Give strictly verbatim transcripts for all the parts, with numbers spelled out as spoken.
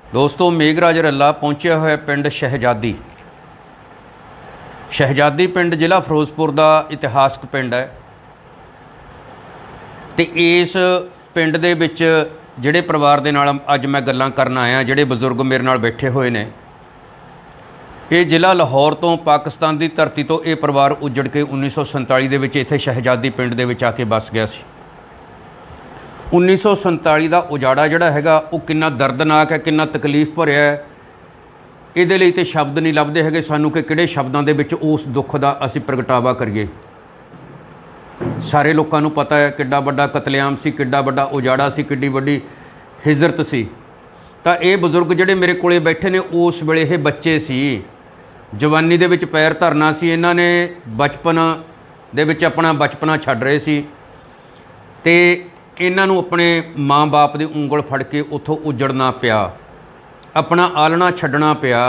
ਦੋਸਤੋ ਮੇਘਰਾਜ ਰੱਲਾ ਪਹੁੰਚਿਆ ਹੋਇਆ ਪਿੰਡ ਸ਼ਹਿਜ਼ਾਦੀ। ਸ਼ਹਿਜ਼ਾਦੀ ਪਿੰਡ ਜ਼ਿਲ੍ਹਾ ਫਿਰੋਜ਼ਪੁਰ ਦਾ ਇਤਿਹਾਸਕ ਪਿੰਡ ਹੈ ਤੇ ਇਸ ਪਿੰਡ ਦੇ ਵਿੱਚ ਜਿਹੜੇ ਪਰਿਵਾਰ ਦੇ ਨਾਲ ਅੱਜ ਮੈਂ ਗੱਲਾਂ ਕਰਨ ਆਇਆ, ਜਿਹੜੇ ਬਜ਼ੁਰਗ ਮੇਰੇ ਨਾਲ ਬੈਠੇ ਹੋਏ ਨੇ, ਇਹ ਜ਼ਿਲ੍ਹਾ ਲਾਹੌਰ ਤੋਂ ਪਾਕਿਸਤਾਨ ਦੀ ਧਰਤੀ ਤੋਂ ਇਹ ਪਰਿਵਾਰ ਉੱਜੜ ਕੇ ਉੱਨੀ ਸੌ ਸੰਤਾਲੀ ਦੇ ਵਿੱਚ ਇੱਥੇ ਸ਼ਹਿਜ਼ਾਦੀ ਪਿੰਡ ਦੇ ਵਿੱਚ ਆ ਕੇ ਵੱਸ ਗਿਆ ਸੀ। ਉੱਨੀ ਸੌ ਸੰਤਾਲੀ ਦਾ ਉਜਾੜਾ ਜਿਹੜਾ ਹੈਗਾ ਉਹ ਕਿੰਨਾ ਦਰਦਨਾਕ ਹੈ, ਕਿੰਨਾ ਤਕਲੀਫ ਭਰਿਆ ਹੈ, ਇਹਦੇ ਲਈ ਤਾਂ ਸ਼ਬਦ ਨਹੀਂ ਲੱਭਦੇ ਹੈਗੇ ਸਾਨੂੰ ਕਿ ਕਿਹੜੇ ਸ਼ਬਦਾਂ ਦੇ ਵਿੱਚ ਉਸ ਦੁੱਖ ਦਾ ਅਸੀਂ ਪ੍ਰਗਟਾਵਾ ਕਰੀਏ। ਸਾਰੇ ਲੋਕਾਂ ਨੂੰ ਪਤਾ ਹੈ ਕਿੱਡਾ ਵੱਡਾ ਕਤਲੇਆਮ ਸੀ, ਕਿੱਡਾ ਵੱਡਾ ਉਜਾੜਾ ਸੀ, ਕਿੱਡੀ ਵੱਡੀ ਹਿਜਰਤ ਸੀ। ਤਾਂ ਇਹ ਬਜ਼ੁਰਗ ਜਿਹੜੇ ਮੇਰੇ ਕੋਲੇ ਬੈਠੇ ਨੇ ਉਸ ਵੇਲੇ ਇਹ ਬੱਚੇ ਸੀ, ਜਵਾਨੀ ਦੇ ਵਿੱਚ ਪੈਰ ਧਰਨਾ ਸੀ, ਇਹਨਾਂ ਨੇ ਬਚਪਨ ਦੇ ਵਿੱਚ ਆਪਣਾ ਬਚਪਨਾ ਛੱਡ ਰਹੇ ਸੀ ਤੇ ਇਹਨਾਂ ਨੂੰ ਆਪਣੇ ਮਾਂ-ਬਾਪ ਦੀ ਉਂਗਲ ਫੜ ਕੇ ਉੱਥੋਂ ਉੱਜੜਨਾ ਪਿਆ, ਆਪਣਾ ਆਲਣਾ ਛੱਡਣਾ ਪਿਆ।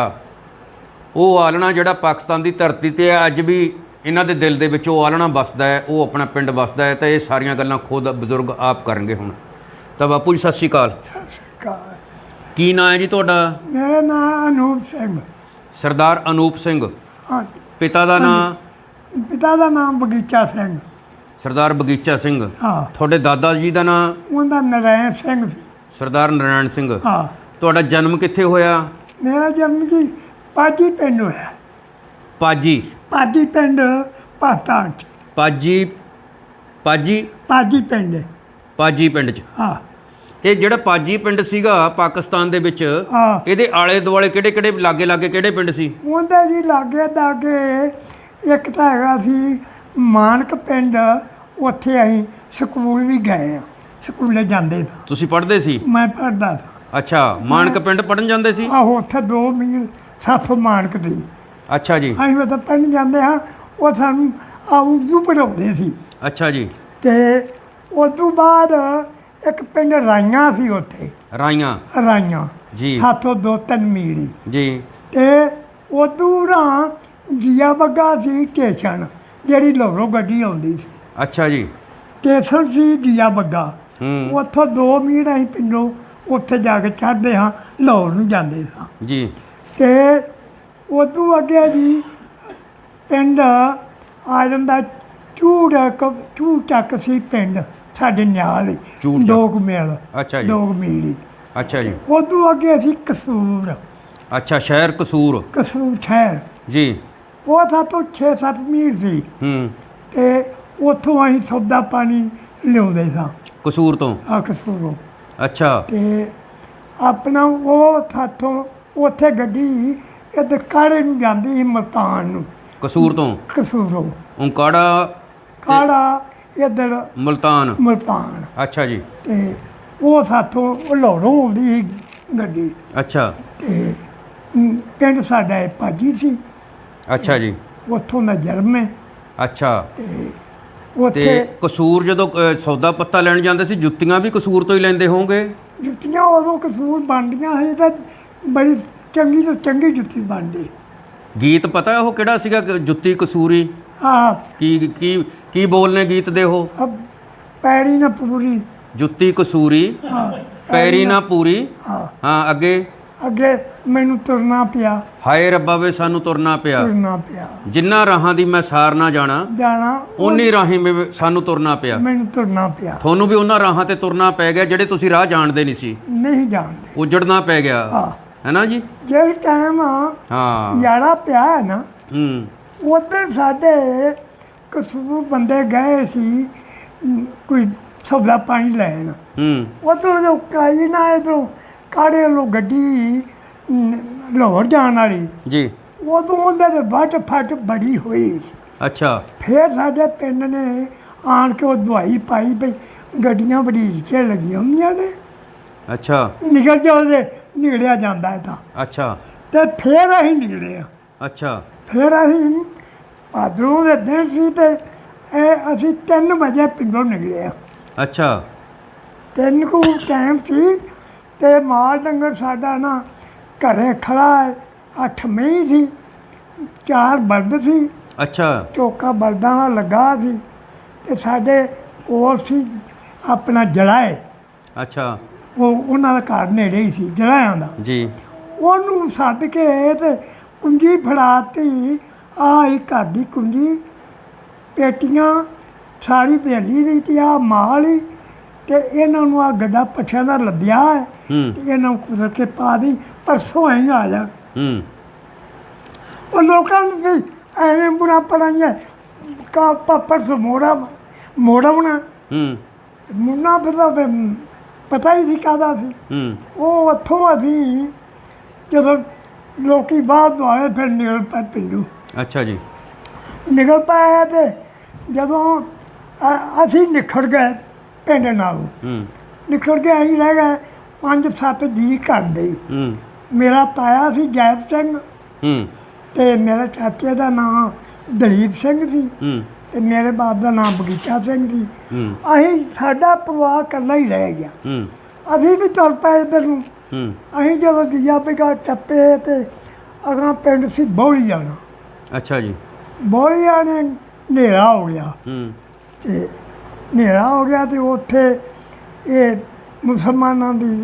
ਉਹ ਆਲਣਾ ਜਿਹੜਾ ਪਾਕਿਸਤਾਨ ਦੀ ਧਰਤੀ 'ਤੇ ਹੈ, ਅੱਜ ਵੀ ਇਹਨਾਂ ਦੇ ਦਿਲ ਦੇ ਵਿੱਚ ਉਹ ਆਲਣਾ ਵੱਸਦਾ ਹੈ, ਉਹ ਆਪਣਾ ਪਿੰਡ ਵੱਸਦਾ ਹੈ। ਤਾਂ ਇਹ ਸਾਰੀਆਂ ਗੱਲਾਂ ਖੁਦ ਬਜ਼ੁਰਗ ਆਪ ਕਰਨਗੇ ਹੁਣ। ਤਾਂ ਬਾਪੂ ਜੀ ਸਤਿ ਸ਼੍ਰੀ ਅਕਾਲ। ਸਤਿ ਸ਼੍ਰੀ ਅਕਾਲ। ਕੀ ਨਾਂ ਹੈ ਜੀ ਤੁਹਾਡਾ? ਮੇਰਾ ਨਾਮ ਅਨੂਪ ਸਿੰਘ। ਸਰਦਾਰ ਅਨੂਪ ਸਿੰਘ। ਹਾਂਜੀ। ਪਿਤਾ ਦਾ ਨਾਂ? ਪਿਤਾ ਦਾ ਨਾਮ ਬਗੀਚਾ ਸਿੰਘ। ਸਰਦਾਰ ਬਗੀਚਾ ਸਿੰਘ। ਹਾਂ। ਤੁਹਾਡੇ ਦਾਦਾ ਜੀ ਦਾ ਨਾਂ? ਉਹਦਾ ਨਰੈਣ ਸਿੰਘ ਸੀ। ਸਰਦਾਰ ਨਰਾਇਣ ਸਿੰਘ। ਹਾਂ। ਤੁਹਾਡਾ ਜਨਮ ਕਿੱਥੇ ਹੋਇਆ? ਮੇਰਾ ਜਨਮ ਜੀ ਪਾਜੀ ਪਿੰਡ ਹੋਇਆ। ਪਾਜੀ? ਪਾਜੀ ਪਿੰਡ ਪਾਕਿਸਤਾਨ 'ਚ। ਪਾਜੀ? ਪਾਜੀ? ਪਾਜੀ ਪਿੰਡ। ਪਾਜੀ ਪਿੰਡ 'ਚ। ਹਾਂ। ਇਹ ਜਿਹੜਾ ਪਾਜੀ ਪਿੰਡ ਸੀਗਾ ਪਾਕਿਸਤਾਨ ਦੇ ਵਿੱਚ, ਹਾਂ। ਇਹਦੇ ਆਲੇ ਦੁਆਲੇ ਕਿਹੜੇ ਕਿਹੜੇ ਲਾਗੇ ਲਾਗੇ ਕਿਹੜੇ ਪਿੰਡ ਸੀ? ਉਹਦੇ ਜੀ ਲਾਗੇ ਦਾਗੇ ਇੱਕ ਤਾਂ ਹੈਗਾ ਸੀ ਮਾਨਕ ਪਿੰਡ, ਉੱਥੇ ਅਸੀਂ ਸਕੂਲ ਵੀ ਗਏ ਆ, ਸਕੂਲੇ ਜਾਂਦੇ ਸਾਂ। ਤੁਸੀਂ ਪੜ੍ਹਦੇ ਸੀ? ਮੈਂ ਪੜ੍ਹਦਾ ਸਾਂ। ਅੱਛਾ, ਮਾਨਕ ਪਿੰਡ ਪੜ੍ਹਨ ਜਾਂਦੇ ਸੀ? ਆਹੋ, ਉੱਥੇ ਦੋ ਮੀਲ ਸੱਤ ਮਾਨਕ ਦੀ। ਅੱਛਾ ਜੀ। ਅਸੀਂ ਮਤਲਬ ਪੜ੍ਹਨ ਜਾਂਦੇ ਹਾਂ, ਉਹ ਸਾਨੂੰ ਆ ਉਰਦੂ ਪੜ੍ਹਾਉਂਦੇ ਸੀ। ਅੱਛਾ ਜੀ। ਤੇ ਉਸ ਤੋਂ ਬਾਅਦ ਇੱਕ ਪਿੰਡ ਰਾਈਆਂ ਸੀ, ਉੱਥੇ ਰਾਈਆਂ? ਰਾਈਆਂ ਜੀ। ਸਾਤੋਂ ਦੋ ਤਿੰਨ ਮੀਲੀ। ਜੀ। ਤੇ ਉਦੋਂ ਰਾਂ ਜੀਆ ਬੱਗਾ ਸੀ ਸਟੇਸ਼ਨ, ਜਿਹੜੀ ਲਾਹੌਰੋਂ ਗੱਡੀ ਆਉਂਦੀ ਸੀ। ਅੱਛਾ ਜੀ। ਸਟੇਸ਼ਨ ਸੀ ਜੀਆ ਬੱਗਾ। ਹੂੰ। ਉੱਥੋਂ ਦੋ ਮੀਲ ਅਸੀਂ ਪਿੰਡੋਂ ਉੱਥੇ ਜਾ ਕੇ ਚੜ੍ਹਦੇ ਹਾਂ, ਲਾਹੌਰ ਨੂੰ ਜਾਂਦੇ ਸਾਂ। ਜੀ। ਤੇ ਉਦੋਂ ਅੱਗੇ ਜੀ ਪਿੰਡ ਆ ਜਾਂਦਾ ਝੂੜ ਝੂੜ ਚੱਕ ਸੀ ਪਿੰਡ ਸਾਡੇ ਨਾਲ ਹੀ, ਝੂੜ ਚੱਕ। ਦੋ ਕੁ ਮੀਲ। ਅੱਛਾ ਜੀ। ਦੋ ਕੁ ਮੀਲ ਹੀ। ਅੱਛਾ ਜੀ। ਉਦੋਂ ਅੱਗੇ ਸੀ ਕਸੂਰ। ਅੱਛਾ, ਸ਼ਹਿਰ ਕਸੂਰ। ਕਸੂਰ ਸ਼ਹਿਰ। ਜੀ। ਉਹ ਸਾਤੋਂ ਛੇ ਸੱਤ ਮੀਲ ਸੀ। ਹੂੰ। ਤੇ ਉੱਥੋਂ ਅਸੀਂ ਸੌਦਾ ਪਾਣੀ ਲਿਆਉਂਦੇ ਸਾਂ ਕਸੂਰ ਤੋਂ? ਆ ਕਸੂਰੋਂ। ਅੱਛਾ। ਤੇ ਆਪਣਾ ਉਹ ਸਾਥੋਂ ਉੱਥੇ ਗੱਡੀ ਇੱਧਰ ਕਾੜੇ ਨੂੰ ਜਾਂਦੀ ਸੀ, ਮੁਲਤਾਨ ਨੂੰ। ਕਸੂਰ ਤੋਂ? ਕਸੂਰੋਂ। ਉਂਕਾੜਾ? ਕਾੜਾ ਇੱਧਰ ਮੁਲਤਾਨ? ਮੁਲਤਾਨ। ਅੱਛਾ ਜੀ। ਤੇ ਉਹ ਸਾਥੋਂ ਉਹ ਲਾਹੌਰੋਂ ਆਉਂਦੀ ਸੀ ਗੱਡੀ। ਅੱਛਾ। ਤੇ ਅਮ, ਪਿੰਡ ਸਾਡਾ ਇਹ ਪਾਜੀ ਸੀ। ਅੱਛਾ ਜੀ। ਉੱਥੋਂ ਦਾ ਜਨਮ ਹੈ। ਅੱਛਾ। ਤੇ ਤੇ ਉੱਥੇ ਕਸੂਰ ਜਦੋਂ ਅ, ਸੌਦਾ ਪੱਤਾ ਲੈਣ ਜਾਂਦੇ ਸੀ, ਜੁੱਤੀਆਂ ਵੀ ਕਸੂਰ ਤੋਂ ਹੀ ਲੈਂਦੇ ਹੋਵੋਗੇ? ਜੁੱਤੀਆਂ ਉਦੋਂ ਕਸੂਰ ਬਣਦੀਆਂ ਸੀ ਤਾਂ ਬੜੀ ਚੰਗੀ ਤੋਂ ਚੰਗੀ ਜੁੱਤੀ ਬਣਦੀ। ਗੀਤ ਪਤਾ ਉਹ ਕਿਹੜਾ ਸੀਗਾ ਕਿ ਜੁੱਤੀ ਕਸੂਰੀ? ਆਹ ਕੀ ਕੀ ਕੀ ਬੋਲਨੇ ਗੀਤ ਦੇ ਉਹ? ਅਬ ਪੈਰੀ ਨਾ ਪੂਰੀ। ਜੁੱਤੀ ਕਸੂਰੀ ਹਾਂ। ਪੈਰੀ ਨਾ ਪੂਰੀ। ਹਾਂ। ਹਾਂ, ਅੱਗੇ? ਅੱਗੇ ਮੈਨੂੰ ਤੁਰਨਾ ਪਿਆ। ਹਾਏ ਰੱਬਾ ਵੇ ਸਾਨੂੰ ਤੁਰਨਾ ਪਿਆ, ਤੁਰਨਾ ਪਿਆ। ਜਿੰਨਾ ਰਾਹਾਂ ਦੀ ਮੈਂ ਸਾਰ ਨਾ ਜਾਣਾ, ਜਾਣਾ ਓਨੀ ਰਾਹੀਂ ਮੇ ਸਾਨੂੰ ਤੁਰਨਾ ਪਿਆ। ਮੈਨੂੰ ਤੁਰਨਾ ਪਿਆ। ਤੁਹਾਨੂੰ ਵੀ ਉਹਨਾਂ ਰਾਹਾਂ ਤੇ ਤੁਰਨਾ ਪੈ ਗਿਆ ਜਿਹੜੇ ਤੁਸੀਂ ਰਾਹ ਜਾਣਦੇ ਨਹੀਂ ਸੀ, ਨਹੀਂ ਜਾਣਦੇ। ਉੱਜੜਨਾ ਪੈ ਗਿਆ, ਹਾਂ। ਹੈ ਨਾ ਜੀ? ਜਿਸ ਟਾਈਮ ਹਾਂ। ਯਾਰਾ ਪਿਆ ਹੈ ਨਾ, ਹੂੰ। ਉੱਧਰ ਸਾਡੇ ਕਸੂਰ ਬੰਦੇ ਗਏ ਸੀ ਅਮ, ਕੋਈ ਸੌਦਾ ਪਾਣੀ ਲੈਣ। ਹੂੰ। ਉੱਧਰ ਜੋ ਕਾਈ ਨਾ ਇੱਧਰੋਂ ਕਾੜੇ ਵੱਲੋਂ ਗੱਡੀ ਅਮ, ਲਾਹੌਰ ਜਾਣ ਵਾਲੀ, ਜੀ। ਉਦੋਂ ਉਹਦੇ ਦੇ ਵੱਟ ਫੱਟ ਬੜੀ ਹੋਈ ਸੀ। ਅੱਛਾ। ਫਿਰ ਸਾਡੇ ਪਿੰਡ ਨੇ ਆਣ ਕੇ ਉਹ ਦਵਾਈ ਪਾਈ ਬਈ ਗੱਡੀਆਂ ਬੜੀ ਕੇ ਲੱਗੀਆਂ ਹੁੰਦੀਆਂ ਨੇ, ਅੱਛਾ। ਨਿਕਲ ਜਾਓ ਤੇ ਨਿਕਲਿਆ ਜਾਂਦਾ ਹੈ ਤਾਂ। ਅੱਛਾ। ਤੇ ਫਿਰ ਅਸੀਂ ਨਿਕਲੇ ਆ। ਅੱਛਾ। ਫਿਰ ਅਸੀਂ ਭਾਦਰੋਂ ਦੇ ਦਿਨ ਸੀ ਤੇ ਇਹ ਅਸੀਂ ਤਿੰਨ ਵਜੇ ਪਿੰਡੋਂ ਨਿਕਲੇ ਆ। ਅੱਛਾ। ਤਿੰਨ ਕੁ ਟਾਈਮ ਸੀ ਤੇ ਮਾਲ ਡੰਗਰ ਸਾਡਾ ਨਾ ਘਰੇ ਖੜਾ ਹੈ। ਅੱਠ ਮਹੀਂ ਸੀ, ਚਾਰ ਬਲਦ ਸੀ। ਅੱਛਾ। ਚੌਕਾ ਬਲਦਾਂ ਦਾ ਲੱਗਾ ਸੀ ਤੇ ਸਾਡੇ ਕੋਲ ਸੀ ਆਪਣਾ ਜਲਾਏ। ਅੱਛਾ। ਉਹ ਉਹਨਾਂ ਦਾ ਘਰ ਨੇੜੇ ਹੀ ਸੀ ਜਲਾਇਆਂ ਦਾ। ਜੀ ਉਹਨੂੰ ਸੱਦ ਕੇ ਤੇ ਕੁੰਜੀ ਫੜਾਤੀ, ਆਹ ਹੀ ਘਰ ਦੀ ਕੁੰਜੀ, ਪੇਟੀਆਂ ਸਾਰੀ ਭੇਲੀ ਦੀ ਤੇ ਆਹ ਮਾਲ ਹੀ, ਤੇ ਇਹਨਾਂ ਨੂੰ ਆ ਗੱਡਾ ਪੱਠਿਆਂ ਦਾ ਲੱਦਿਆ ਹੈ ਹੂੰ ਤੇ ਇਹਨਾਂ ਨੂੰ ਕੁਦਰ ਕੇ ਪਾ ਦੀ, ਪਰਸੋਂ ਹੀ ਆ ਜਾ। ਹੂੰ ਉਹ ਲੋਕਾਂ ਨੂੰ ਵੀ ਐਵੇਂ ਬੁਰਾ ਪੜਾਈਏ ਕਾ ਪਰਸ ਮੋੜਾ ਮੋੜਾ ਬਣਾ ਹੂੰ ਮੁੰਨਾ ਪਤਾ ਪਤਾ ਹੀ ਸੀ ਕਾਹਦਾ ਸੀ। ਹੂੰ ਉਹ ਉੱਥੋਂ ਅਸੀਂ ਜਦੋਂ ਲੋਕੀ ਬਾਹਰ ਤੋਂ ਆਏ ਫਿਰ ਨਿਕਲ ਪਏ ਪਿੰਡੂ। ਅੱਛਾ ਜੀ। ਨਿਕਲ ਪਏ ਤੇ ਜਦੋਂ ਅ- ਅਸੀਂ ਨਿਖੜ ਗਏ ਪਿੰਡ ਨਾਲੋਂ, ਹੂੰ ਨਿਖੜ ਕੇ ਅਸੀਂ ਰਹਿ ਗਏ ਪੰਜ ਸੱਤ ਜੀ ਘਰ ਦੇ। ਹੂੰ ਮੇਰਾ ਤਾਇਆ ਸੀ ਜੈਪ ਸਿੰਘ, ਹੂੰ ਤੇ ਮੇਰੇ ਚਾਚੇ ਦਾ ਨਾਂ ਦਲੀਪ ਸਿੰਘ ਸੀ, ਹੂੰ ਤੇ ਮੇਰੇ ਬਾਪ ਦਾ ਨਾਮ ਬਗੀਚਾ ਸਿੰਘ ਸੀ। ਹੂੰ ਅਸੀਂ ਸਾਡਾ ਪਰਿਵਾਰ ਇਕੱਲਾ ਹੀ ਰਹਿ ਗਿਆ। ਹੂੰ ਅਸੀਂ ਵੀ ਤੁਰ ਪਏ ਇੱਧਰ ਨੂੰ। ਹੂੰ ਅਸੀਂ ਜਦੋਂ ਦੂਜਾ ਬਿਗਾ ਟੱਪੇ ਤੇ ਅਗਾਂ ਪਿੰਡ ਸੀ ਬੌਲੀ ਜਾਣਾ। ਅੱਛਾ ਜੀ। ਬੌਲੀ ਆਣੇ ਹਨੇਰਾ ਹੋ ਗਿਆ, ਹੂੰ ਤੇ ਹਨੇਰਾ ਹੋ ਗਿਆ ਤੇ ਉੱਥੇ ਇਹ ਮੁਸਲਮਾਨਾਂ ਦੀ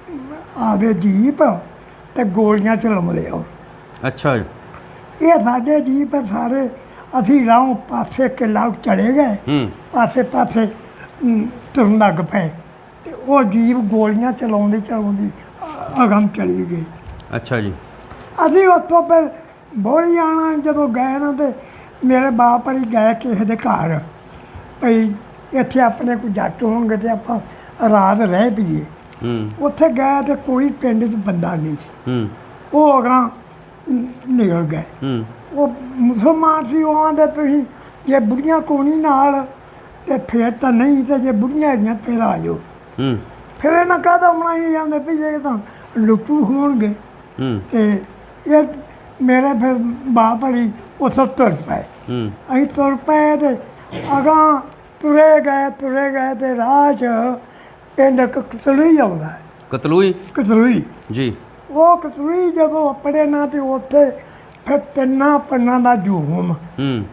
ਆਵੇ ਜੀਪ ਤੇ ਗੋਲੀਆਂ ਚਲਾਉਂਦੇ ਆ। ਅੱਛਾ ਜੀ। ਇਹ ਸਾਡੇ ਜੀਪ ਸਾਰੇ ਅਸੀਂ ਰਾਹੋਂ ਪਾਸੇ ਕਿਲਾ ਚਲੇ ਗਏ, ਹੂੰ ਪਾਸੇ ਪਾਸੇ ਅਮ, ਤੁਰਨ ਲੱਗ ਪਏ, ਤੇ ਉਹ ਜੀਪ ਗੋਲੀਆਂ ਚਲਾਉਂਦੀ ਚਲਾਉਂਦੀ ਅ- ਅਗਮ ਚਲੀ ਗਈ। ਅੱਛਾ ਜੀ। ਅਸੀਂ ਉੱਥੋਂ ਫਿਰ ਬੋਲੀ ਆਣਾ ਜਦੋਂ ਗਏ ਨਾ, ਤੇ ਮੇਰੇ ਬਾਪ ਹਰੀ ਗਏ ਕਿਸੇ ਦੇ ਘਰ, ਭਈ ਇੱਥੇ ਆਪਣੇ ਕੋਈ ਜੱਟ ਹੋਣਗੇ ਤੇ ਆਪਾਂ ਰਾਤ ਰਹਿ ਪਈਏ। ਹੂੰ ਉੱਥੇ ਗਏ ਤੇ ਕੋਈ ਪਿੰਡ 'ਚ ਬੰਦਾ ਨਹੀਂ ਸੀ। ਹੂੰ ਉਹ ਅਗਾਂ ਨਿਕਲ ਗਏ। ਹੂੰ ਉਹ ਮੁਸਲਮਾਨ ਸੀ, ਉਹ ਆਂਦੇ ਤੁਸੀਂ ਜੇ ਬੁੜੀਆਂ ਕੋਣੀ ਨਾਲ ਤੇ ਫਿਰ ਤਾਂ ਨਹੀਂ, ਤੇ ਜੇ ਬੁੜੀਆਂ ਹੈਗੀਆਂ ਫਿਰ ਆ ਜਾਓ। ਹੂੰ ਫਿਰ ਇਹਨਾਂ ਕਾਹਦਾ ਬਣਾਈ ਜਾਂਦੇ ਵੀ ਇਹ ਤਾਂ ਲੁੱਟੂ ਹੋਣਗੇ। ਹੂੰ ਤੇ ਇਹ ਮੇਰੇ ਫਿਰ ਬਾਪ ਹਰੀ ਉੱਥੋਂ ਤੁਰ ਪਏ। ਹੂੰ ਅਸੀਂ ਤੁਰ ਪਏ ਤੇ ਅਗਾਂ ਤੁਰੇ ਗਏ ਤੁਰੇ ਗਏ ਤੇ ਰਾਹ 'ਚ ਪਿੰਡ ਇੱਕ ਕਤਲੂਈ ਆਉਂਦਾ ਹੈ। ਕਤਲੂਈ। ਕਤਲੂਈ ਜੀ। ਉਹ ਕਤਲੂਈ ਜਦੋਂ ਆਪਣੇ ਨਾ ਤੇ ਉੱਥੇ ਫਿਰ ਤਿੰਨਾਂ ਪਿੰਡਾਂ ਦਾ ਜੂਮ, ਹੂੰ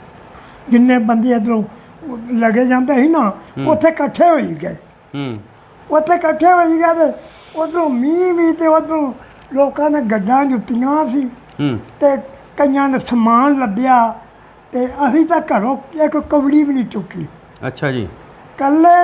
ਜਿੰਨੇ ਬੰਦੇ ਇੱਧਰੋਂ ਲੱਗੇ ਜਾਂਦੇ ਸੀ ਨਾ, ਉੱਥੇ ਇਕੱਠੇ ਹੋਈ ਗਏ। ਹੂੰ ਉੱਥੇ ਇਕੱਠੇ ਹੋਈ ਗਏ ਤੇ ਉੱਧਰੋਂ ਮੀਂਹ ਵੀ, ਤੇ ਉੱਧਰੋਂ ਲੋਕਾਂ ਨੇ ਗੱਡਾਂ ਜੁੱਤੀਆਂ ਸੀ, ਹੂੰ ਤੇ ਕਈਆਂ ਨੇ ਸਮਾਨ ਲੱਭਿਆ, ਤੇ ਅਸੀਂ ਤਾਂ ਘਰੋਂ ਇੱਕ ਕਵੜੀ ਵੀ ਨਹੀਂ ਚੁੱਕੀ। ਅੱਛਾ ਜੀ। ਕੱਲੇ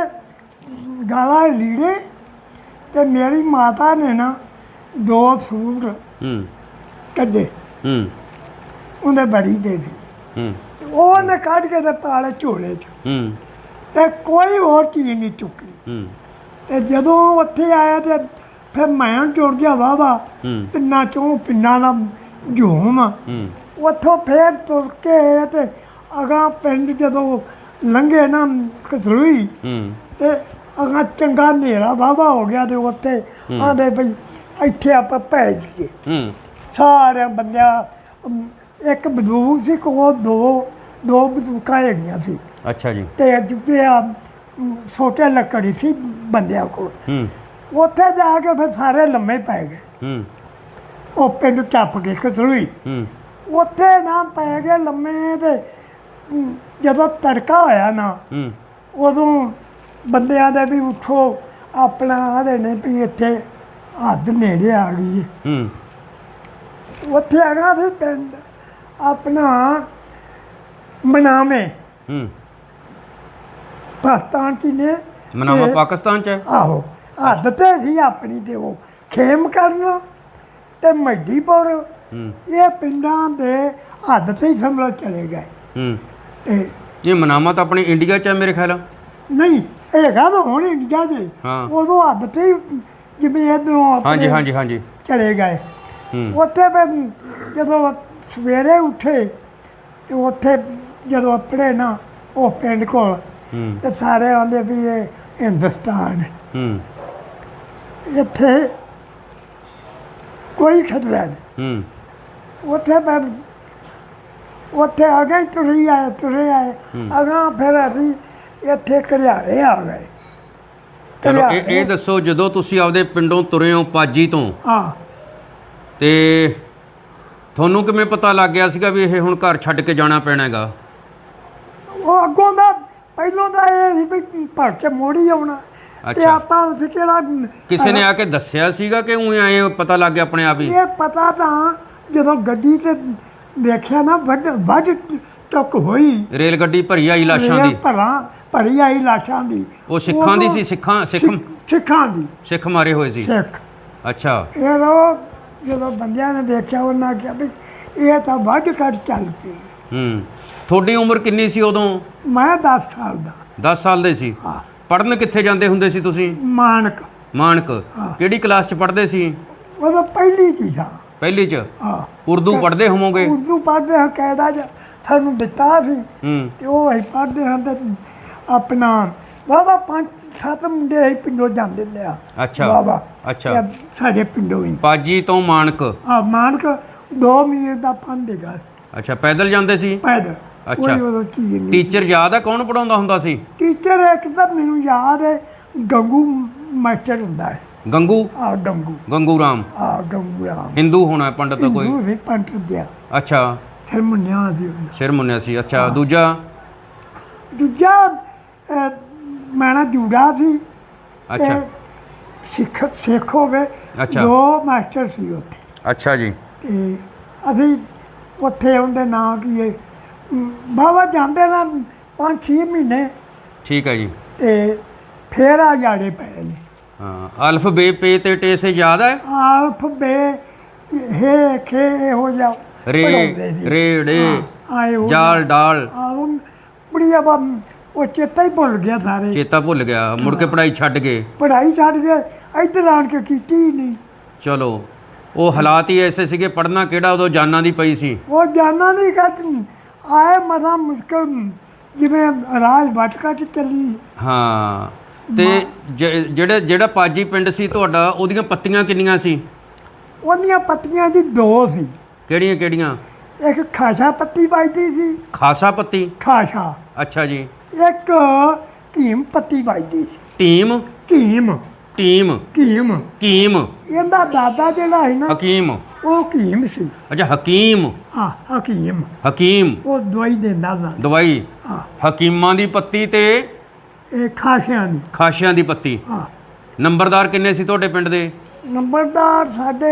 ਗਾਲਾਂ ਲੀੜੇ, ਤੇ ਮੇਰੀ ਮਾਤਾ ਨੇ ਨਾ ਦੋ ਸੂਟ ਹੂੰ ਕੱਢੇ, ਹੂੰ ਉਹਨੇ ਬੜੀ ਦੇ ਦੀ, ਹੂੰ ਤੇ ਉਹਨੇ ਕੱਢ ਕੇ ਤੇ ਪਾਲੇ ਝੋਲੇ 'ਚ, ਹੂੰ ਤੇ ਕੋਈ ਹੋਰ ਚੀਜ਼ ਨਹੀਂ ਚੁੱਕੀ। ਹੂੰ ਤੇ ਜਦੋਂ ਉੱਥੇ ਆਇਆ ਤੇ ਫਿਰ ਮੈਂ ਜੁੜ ਗਿਆ ਵਾਵਾ ਹੂੰ ਪਿੰਡਾਂ ਚੋਂ, ਪਿੰਡਾਂ ਦਾ ਝੂਮ। ਹੂੰ ਉੱਥੋਂ ਫੇਰ ਤੁਰ ਕੇ ਤੇ ਅਗਾਂ ਪਿੰਡ ਜਦੋਂ ਲੰਘੇ ਨਾ ਕਤਲੂਈ, ਹੂੰ ਤੇ ਅਗਾਂ ਚੰਗਾ ਹਨੇਰਾ ਵਾਵਾ ਹੋ ਗਿਆ, ਤੇ ਉੱਥੇ ਆਂਦੇ ਬਈ ਇੱਥੇ ਆਪਾਂ ਪੈ ਜਾਈਏ। ਹੂੰ ਸਾਰਿਆਂ ਬੰਦਿਆਂ ਅਮ, ਇੱਕ ਬੰਦੂਕ ਸੀ ਕੋਲ, ਦੋ ਦੋ ਬੰਦੂਕਾਂ ਹੈਗੀਆਂ ਸੀ, ਅੱਛਾ ਜੀ। ਤੇ ਜਿੱਤੇ ਆ ਅਮ, ਛੋਟੇ ਲੱਕੜੀ ਸੀ ਬੰਦਿਆਂ ਕੋਲ। ਹੂੰ ਉੱਥੇ ਜਾ ਕੇ ਫਿਰ ਸਾਰੇ ਲੰਮੇ ਪੈ ਗਏ। ਹੂੰ ਉਹ ਪਿੰਡ ਟੱਪ ਕੇ ਕਤਲੂਈ, ਹੂੰ ਉੱਥੇ ਨਾ ਪੈ ਗਏ ਲੰਮੇ। ਤੇ ਅਮ, ਜਦੋਂ ਤੜਕਾ ਹੋਇਆ ਨਾ, ਹੂੰ ਉਦੋਂ ਬੰਦਿਆਂ ਦੇ ਵੀ ਉੱਠੋ, ਆਪਣਾ ਆਦੇ ਨੇ ਵੀ ਇੱਥੇ ਹੱਦ ਨੇੜੇ ਆ ਗਈ ਹੈ। ਹੂੰ ਉੱਥੇ ਹੈਗਾ ਸੀ ਪਿੰਡ ਆਪਣਾ ਮਨਾਵੇਂ, ਹੂੰ ਪਾਕਿਸਤਾਨ ਚ ਨੇ। ਮਨਾਵਾ ਤੇ- ਪਾਕਿਸਤਾਨ ਚ ਹੈ। ਆਹੋ, ਹੱਦ ਤੇ ਸੀ ਆਪਣੀ, ਤੇ ਉਹ ਖੇਮ ਕਰਨ ਤੇ ਮਹਿਦੀਪੁਰ, ਹੂੰ ਇਹ ਪਿੰਡਾਂ ਦੇ ਹੱਦ ਤੇ ਹੀ ਸਮਝ ਚਲੇ ਗਏ। ਹੂੰ ਤੇ ਇਹ ਮਨਾਵਾ ਤਾਂ ਆਪਣੇ ਇੰਡੀਆ ਚ ਹੈ ਮੇਰੇ ਖਿਆਲ ਨਾਲ। ਨਹੀਂ ਹੈਗਾ ਤਾਂ ਹੁਣ ਇੰਡੀਆ ਦੇ, ਹਾਂ। ਉਦੋਂ ਹੱਦ ਤੇ ਹੀ ਜਿਵੇਂ ਇੱਧਰੋਂ ਹਾਂਜੀ ਆਪਣੇ ਹਾਂਜੀ ਹਾਂਜੀ। ਚਲੇ ਗਏ। ਹੂੰ ਉੱਥੇ ਫਿਰ ਜਦੋਂ ਸਵੇਰੇ ਉੱਠੇ, ਤੇ ਉੱਥੇ ਜਦੋਂ ਆਪਣੇ ਨਾ ਉਹ ਪਿੰਡ ਕੋਲ, ਹੂੰ ਤੇ ਸਾਰੇ ਆਉਂਦੇ ਵੀ ਇਹ ਹਿੰਦੁਸਤਾਨ ਹੈ, ਹੂੰ ਇੱਥੇ ਕੋਈ ਖਤਰਾ ਨਹੀਂ। ਹੂੰ ਉੱਥੇ ਫਿਰ ਉੱਥੇ ਆ ਗਏ, ਤੁਰੇ ਆਏ ਤੁਰੇ ਆਏ ਅਗਾਂ ਫਿਰ ਅਸੀਂ ਇੱਥੇ ਘਰਿਆੜੇ ਆ ਗਏ। ਚਲੋ ਇਹ ਇਹ ਦੱਸੋ, ਜਦੋਂ ਤੁਸੀਂ ਆਪਦੇ ਪਿੰਡੋਂ ਤੁਰੇ ਹੋ ਪਾਜੀ ਤੋਂ, ਹਾਂ, ਤੇ ਤੁਹਾਨੂੰ ਕਿਵੇਂ ਪਤਾ ਲੱਗ ਗਿਆ ਸੀਗਾ ਵੀ ਇਹ ਹੁਣ ਘਰ ਛੱਡ ਕੇ ਜਾਣਾ ਪੈਣਾ ਹੈਗਾ? ਉਹ ਅੱਗੋਂ ਦਾ ਪਹਿਲੋਂ ਦਾ ਇਹ ਸੀ ਵੀ ਭਰ ਕੇ ਮੋੜੀ ਆਉਣਾ, ਤੇ ਅੱਛਾ। ਆਪਾਂ ਉਸ ਕਿਹੜਾ ਕਿਸੇ ਨੇ ਆ ਕੇ ਦੱਸਿਆ ਸੀਗਾ ਕਿ ਉਹ ਆਏ ਪਤਾ ਲੱਗ ਗਿਆ ਆਪਣੇ ਆਪ ਹੀ? ਇਹ ਪਤਾ ਤਾਂ ਜਦੋਂ ਗੱਡੀ ਤੇ ਦੇਖਿਆ ਨਾ ਵੱਡ ਵੱਡ ਟੁੱਕ ਹੋਈ, ਰੇਲ ਗੱਡੀ ਭਰੀ ਆਈ ਲਾਸ਼ਾਂ ਰੇਲ ਦੀ। ਭਰਾਂ ਭਰੀ ਆਈ ਲਾਸ਼ਾਂ ਦੀ। ਉਹ ਸਿੱਖਾਂ ਦੀ ਉਦੋਂ ਸੀ? ਸਿੱਖਾਂ ਸਿੱਖ ਸਿੱਖ- ਸਿੱਖਾਂ ਦੀ ਸਿੱਖ ਮਾਰੇ ਹੋਏ ਸੀ? ਸਿੱਖ। ਅੱਛਾ। ਜਦੋਂ ਜਦੋਂ ਬੰਦਿਆਂ ਨੇ ਦੇਖਿਆ ਉਹਨਾਂ ਕਿਹਾ ਵੀ ਇਹ ਤਾਂ ਵੱਢ ਕੱਟ ਚੱਲ ਪਈ। ਹੂੰ। ਤੁਹਾਡੀ ਉਮਰ ਕਿੰਨੀ ਸੀ ਉਦੋਂ? ਮੈਂ ਦਸ ਸਾਲ ਦਾ। ਦਸ ਸਾਲ ਦੇ ਸੀ। ਹਾਂ। ਪੜ੍ਹਨ ਕਿੱਥੇ ਜਾਂਦੇ ਹੁੰਦੇ ਸੀ ਤੁਸੀਂ? ਮਾਨਕ। ਮਾਨਕ। ਕਿਹੜੀ ਕਲਾਸ 'ਚ ਪੜ੍ਹਦੇ ਸੀ? ਉਦੋਂ ਪਹਿਲੀ ਚੀਜ਼ ਆ। ਪਹਿਲੀ 'ਚ? ਹਾਂ। ਉਰਦੂ ਪੜ੍ਹਦੇ ਹੋਵੋਗੇ? ਉਰਦੂ ਪੜ੍ਹਦੇ ਹਾਂ, ਕਾਇਦਾ ਜਿਹਾ ਸਾਨੂੰ ਦਿੱਤਾ ਸੀ ਹੂੰ। ਤੇ ਉਹ ਅਸੀਂ ਪੜ੍ਹਦੇ ਹਾਂ ਤੇ ਆਪਣਾ ਬਾਬਾ ਪੰਜ ਸੱਤ ਮੁੰਡੇ ਅਸੀਂ ਪਿੰਡੋਂ ਜਾਂਦੇ ਲਿਆ। ਅੱਛਾ। ਬਾਬਾ ਅੱਛਾ। ਇਹ ਸਾਡੇ ਪਿੰਡੋਂ ਹੀ। ਪਾਜੀ ਤੋਂ ਮਾਨਕ? ਆ ਮਾਨਕ ਦੋ ਮੀਲ ਦਾ ਪੰਧ ਹੈਗਾ ਸੀ। ਅੱਛਾ, ਪੈਦਲ ਜਾਂਦੇ ਸੀ? ਪੈਦਲ। ਅੱਛਾ। ਕੋਈ ਉਦੋਂ ਚੀਜ਼ ਨਹੀਂ। ਟੀਚਰ ਯਾਦ ਆ ਕੌਣ ਪੜਾਉਂਦਾ ਹੁੰਦਾ ਸੀ? ਟੀਚਰ ਇੱਕ ਤਾਂ ਮੈਨੂੰ ਯਾਦ ਹੈ, ਗੰਗੂ ਮਾਸਟਰ ਹੁੰਦਾ ਹੈ। ਗੰਗੂ? ਆ ਗੰਗੂ। ਗੰਗੂ ਰਾਮ? ਆ ਗੰਗੂ ਰਾਮ। ਹਿੰਦੂ ਹੋਣਾ ਪੰਡਤ ਕੋਈ? ਹਿੰਦੂ ਸੀ, ਪੰਡਤ ਦਿਆ। ਅੱਛਾ। ਫਿਰ ਮੁੰਨਿਆ ਦੀ ਹੁੰਦਾ। ਸਿਰ ਮੁੰਨਿਆ ਸੀ। ਅੱਛਾ। ਦੂਜਾ? ਦੂਜਾ ਅਹ, ਮੈਂ ਨਾ ਜੂੜਾ ਸੀ। ਅੱਛਾ। ਤੇ ਸਿੱਖ ਸਿੱਖ ਹੋਵੇ। ਅੱਛਾ। ਦੋ ਮਾਸਟਰ ਸੀ ਉੱਥੇ ਅੱਛਾ ਜੀ। ਤੇ ਅਸੀਂ ਉੱਥੇ ਉਹਦੇ ਨਾਂ ਕੀ ਹੈ ਬਾਬਾ ਜਾਂਦੇ ਨਾ ਪੰਜ ਛੇ ਮਹੀਨੇ ਠੀਕ ਹੈ ਜੀ। ਤੇ ਫੇਰ ਆ ਜਾੜੇ ਪਏ ਨੇ। ਹਾਂ। ਅਲਫ ਬੇ ਪੇ ਤੇ ਟੇ ਸੇ ਯਾਦ ਹੈ? ਆਲਫ ਬੇ ਹੇ ਖੇ ਇਹੋ ਜਿਹਾ ਰੇ ਪੜ੍ਹਾਉਂਦੇ ਸੀ। ਰੇ ੜੇ ਹਾਂ, ਆਏ ਉਹ ਜਾਲ ਡਾਲ। ਆ ਉਹ ਬੜੀ ਆ ਉਹ ਚੇਤਾ ਹੀ ਭੁੱਲ ਗਿਆ ਸਾਰੇ। ਚੇਤਾ ਭੁੱਲ ਗਿਆ, ਮੁੜ ਕੇ ਪੜ੍ਹਾਈ ਛੱਡ ਗਏ। ਪੜ੍ਹਾਈ ਛੱਡ ਗਏ, ਇੱਧਰ ਆਣ ਕੇ ਕੀਤੀ ਹੀ ਨਹੀਂ। ਚਲੋ, ਉਹ ਹਾਲਾਤ ਹੀ ਐਸੇ ਸੀਗੇ, ਪੜ੍ਹਨਾ ਕਿਹੜਾ, ਉਦੋਂ ਜਾਨਾਂ ਦੀ ਪਈ ਸੀ। ਉਹ ਜਾਨਾ ਨਹੀਂ ਕਿ ਆਏ ਮਸਾ ਮੁਸ਼ਕਲ ਜਿਵੇਂ ਰਾਜ ਭਟਕਾ ਚ ਚੱਲੀ। ਹਾਂ। ਤੇ ਜ- ਜਿਹੜੇ ਜਿਹੜਾ ਪਾਜੀ ਪਿੰਡ ਸੀ ਤੁਹਾਡਾ, ਉਹਦੀਆਂ ਪੱਤੀਆਂ ਕਿੰਨੀਆਂ ਸੀ? ਉਹਦੀਆਂ ਪੱਤੀਆਂ ਜੀ ਦੋ ਸੀ। ਕਿਹੜੀਆਂ ਕਿਹੜੀਆਂ? ਇੱਕ ਖਾਸ਼ਾ ਪੱਤੀ ਵੱਜਦੀ ਸੀ। ਖਾਸਾ ਪੱਤੀ? ਖਾਸ਼ਾ। ਅੱਛਾ ਜੀ। ਇੱਕ ਕੀਮ ਪੱਤੀ ਵੱਜਦੀ ਸੀ। ਟੀਮ? ਕੀਮ। ਟੀਮ? ਕੀਮ। ਕੀਮ? ਇਹਦਾ ਦਾਦਾ ਜਿਹੜਾ ਹੈ ਨਾ ਹਕੀਮ? ਉਹ ਕੀਮ ਸੀ। ਅੱਛਾ, ਹਕੀਮ। ਹਾਂ, ਹਕੀਮ। ਹਕੀਮ ਉਹ ਦਵਾਈ ਦਿੰਦਾ ਸੀ। ਦਵਾਈ? ਹਾਂ। ਹਕੀਮਾਂ ਦੀ ਪੱਤੀ ਤੇ ਇਹ ਖਾਸ਼ਿਆਂ ਦੀ। ਖਾਸ਼ਿਆਂ ਦੀ ਪੱਤੀ। ਹਾਂ। ਨੰਬਰਦਾਰ ਕਿੰਨੇ ਸੀ ਤੁਹਾਡੇ ਪਿੰਡ ਦੇ? ਨੰਬਰਦਾਰ ਸਾਡੇ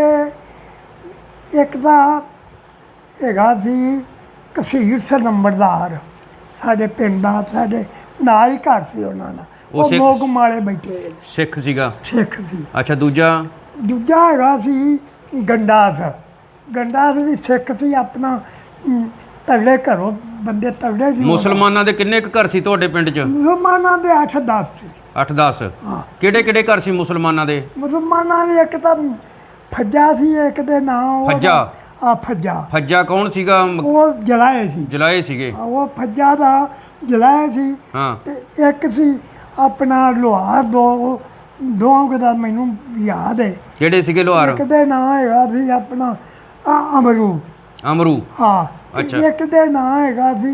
ਇੱਕ ਦਾ ਹੈਗਾ ਸੀ ਕਸੀਰ ਸੇ ਨੰਬਰਦਾਰ, ਸਾਡੇ ਪਿੰਡ ਦਾ, ਸਾਡੇ ਨਾਲ ਹੀ ਘਰ ਸੀ ਉਹਨਾਂ ਦਾ। ਉਹ ਉਹ ਸਿੱਖ- ਲੋਕ ਮਾਲੇ ਬੈਠੇ ਨੇ, ਸਿੱਖ ਸੀਗਾ? ਸਿੱਖ ਸੀ। ਅੱਛਾ। ਦੂਜਾ? ਦੂਜਾ ਹੈਗਾ ਸੀ ਗੰਡਾਸ। ਗੰਡਾਸ ਵੀ ਸਿੱਖ ਸੀ, ਆਪਣਾ ਅਮ, ਤਗੜੇ ਘਰੋਂ ਬੰਦੇ ਤਗੜੇ ਸੀ। ਮੁਸਲਮਾਨਾਂ ਦੇ ਕਿੰਨੇ ਕੁ ਘਰ ਸੀ ਤੁਹਾਡੇ ਪਿੰਡ 'ਚ? ਮੁਸਲਮਾਨਾਂ ਦੇ ਅੱਠ ਦਸ ਸੀ। ਅੱਠ ਦਸ? ਹਾਂ। ਕਿਹੜੇ ਕਿਹੜੇ ਘਰ ਸੀ ਮੁਸਲਮਾਨਾਂ ਦੇ? ਮੁਸਲਮਾਨਾਂ ਦੇ ਇੱਕ ਤਾਂ ਫੱਜਾ ਸੀ, ਇੱਕ ਦੇ ਨਾਂ ਉਹਦਾ- ਫੱਜਾ? ਆ ਫੱਜਾ। ਫੱਜਾ ਕੌਣ ਸੀਗਾ? ਮ- ਉਹ ਜਲਾਏ ਸੀ। ਜਲਾਏ ਸੀਗੇ? ਉਹ ਫੱਜਾ ਦਾ ਜਲਾਇਆ ਸੀ। ਹਾਂ। ਤੇ ਇੱਕ ਸੀ ਆਪਣਾ ਲੋਹਾਰ, ਦੋ ਦੋ ਦਾ ਮੈਨੂੰ ਯਾਦ ਹੈ। ਕਿਹੜੇ ਸੀਗੇ ਲੋਹਾਰ? ਇੱਕ ਦੇ ਨਾਂ ਹੈਗਾ ਸੀ ਆਪਣਾ ਆ, ਅਮਰੂ। ਅਮਰੂ? ਹਾਂ। ਤੇ ਅੱਛਾ। ਇੱਕ ਦੇ ਨਾਂ ਹੈਗਾ ਸੀ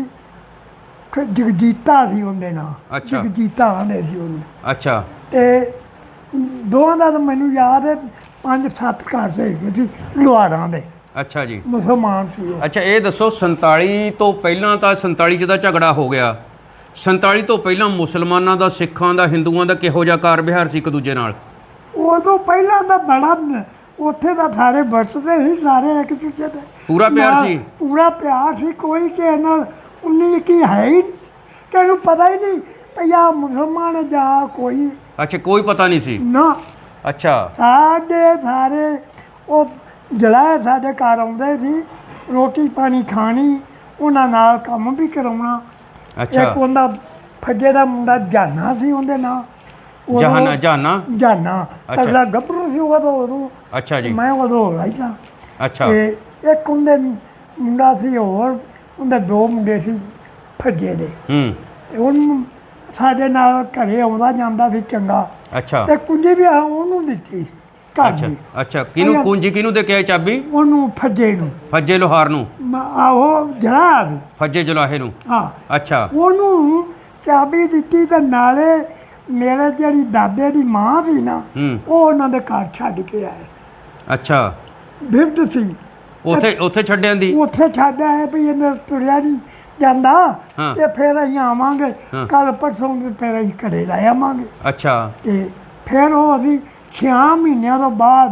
ਖ- ਜਗਜੀਤਾ ਸੀ ਉਹਦੇ ਨਾਂ। ਅੱਛਾ। ਜਗਜੀਤਾ ਆਂਦੇ ਸੀ ਉਹਨੂੰ। ਅੱਛਾ। ਤੇ ਦੋਵਾਂ ਦਾ ਤਾਂ ਮੈਨੂੰ ਯਾਦ ਹੈ, ਪੰਜ ਸੱਤ ਘਰ ਦੇ ਹੈਗੇ ਸੀ ਲੋਹਾਰਾਂ ਦੇ, ਅੱਛਾ ਜੀ। ਮੁਸਲਮਾਨ ਸੀ ਉਹ। ਅੱਛਾ, ਇਹ ਦੱਸੋ ਸੰਤਾਲੀ ਤੋਂ ਪਹਿਲਾਂ ਤਾਂ ਸੰਤਾਲੀ 'ਚ ਦਾ ਝਗੜਾ ਹੋ ਗਿਆ, ਸੰਤਾਲੀ ਤੋਂ ਪਹਿਲਾਂ ਮੁਸਲਮਾਨਾਂ ਦਾ, ਸਿੱਖਾਂ ਦਾ, ਹਿੰਦੂਆਂ ਦਾ ਕਿਹੋ ਜਿਹਾ ਕਾਰ ਵਿਹਾਰ ਸੀ ਇੱਕ ਦੂਜੇ ਨਾਲ? ਉਦੋਂ ਪਹਿਲਾਂ ਤਾਂ ਬੜਾ ਉੱਥੇ ਤਾਂ ਸਾਰੇ ਵਰਤਦੇ ਸੀ, ਸਾਰੇ ਇੱਕ ਦੂਜੇ ਦੇ ਪੂਰਾ ਪਿਆਰ ਨਾਲ ਸੀ? ਪੂਰਾ ਪਿਆਰ ਸੀ, ਕੋਈ ਕਿਸੇ ਨਾਲ ਉਨੀ ਕੀ ਹੈ ਹੀ ਨਹੀਂ, ਕਿਸੇ ਨੂੰ ਪਤਾ ਹੀ ਨਹੀਂ ਭਈ ਆਹ ਮੁਸਲਮਾਨ ਹੈ ਜਾਂ ਕੋਈ ਅੱਛਾ, ਕੋਈ ਪਤਾ ਨਹੀਂ ਸੀ? ਨਾ। ਅੱਛਾ। ਸਾਡੇ ਸਾਰੇ ਉਹ ਜਲਾਏ ਸਾਡੇ ਘਰ ਆਉਂਦੇ ਸੀ, ਰੋਟੀ ਪਾਣੀ ਖਾਣੀ, ਉਹਨਾਂ ਨਾਲ ਕੰਮ ਵੀ ਕਰਾਉਣਾ। ਅੱਛਾ। ਇੱਕ ਉਹਦਾ ਫੱਜੇ ਦਾ ਮੁੰਡਾ ਜਾਨਾ ਸੀ ਉਹਦੇ ਨਾਲ। ਉਦੋਂ- ਜਹਾਨਾ? ਜਾਨਾ? ਜਾਨਾ ਅੱਛਾ। ਤਗੜਾ ਗੱਭਰੂ ਸੀ ਉਦੋਂ ਉਦੋਂ ਅੱਛਾ ਜੀ। ਮੈਂ ਉਦੋਂ ਹੋ ਰਹੀ ਸਾਂ। ਅੱਛਾ। ਤੇ ਇੱਕ ਉਹਦੇ ਮੁੰਡਾ ਸੀ, ਹੋਰ ਉਹਦੇ ਦੋ ਮੁੰਡੇ ਸੀ ਫੱਜੇ ਦੇ। ਹੂੰ। ਤੇ ਉਹਨੂੰ ਸਾਡੇ ਨਾਲ ਘਰੇ ਆਉਂਦਾ ਜਾਂਦਾ ਸੀ ਚੰਗਾ। ਅੱਛਾ। ਤੇ ਕੁੰਜੀ ਵੀ ਆ ਉਹਨੂੰ ਦਿੱਤੀ ਸੀ ਘਰ ਅੱਛਾ। ਦੀ। ਅੱਛਾ, ਕਿਹਨੂੰ ਕੁੰਜੀ ਕਿਹਨੂੰ ਦੇ ਕੇ ਆਏ ਚਾਬੀ? ਉਹਨੂੰ ਫੱਜੇ ਨੂੰ ਫੱਜੇ ਲੋਹਾਰ ਨੂੰ? ਆਹੋ ਜਲਾ ਵੀ। ਫੱਜੇ ਜਲਾਹੇ ਨੂੰ? ਹਾਂ। ਅੱਛਾ। ਉਹਨੂੰ ਚਾਬੀ ਦਿੱਤੀ ਤੇ ਨਾਲੇ ਮੇਰੇ ਜਿਹੜੀ ਦਾਦੇ ਦੀ ਮਾਂ ਸੀ ਨਾ, ਹੂੰ। ਉਹ ਉਹਨਾਂ ਦੇ ਘਰ ਛੱਡ ਕੇ ਆਏ। ਅੱਛਾ। ਬਿਰਧ ਸੀ, ਉੱਥੇ ਉੱਥੇ ਛੱਡਿਆਂ ਦੀ? ਉੱਥੇ ਛੱਡ ਆਏ ਵੀ ਇਹਨੇ ਤੁਰਿਆ ਨਹੀਂ ਜਾਂਦਾ ਹਾਂ। ਤੇ ਫਿਰ ਅਸੀਂ ਆਵਾਂਗੇ ਕੱਲ ਪਰਸੋਂ ਤੇ ਫਿਰ ਅਸੀਂ ਘਰੇ ਲੈ ਆਵਾਂਗੇ ਅੱਛਾ ਤੇ ਫਿਰ ਉਹ ਅਸੀਂ ਛਿਆਂ ਮਹੀਨਿਆਂ ਤੋਂ ਬਾਅਦ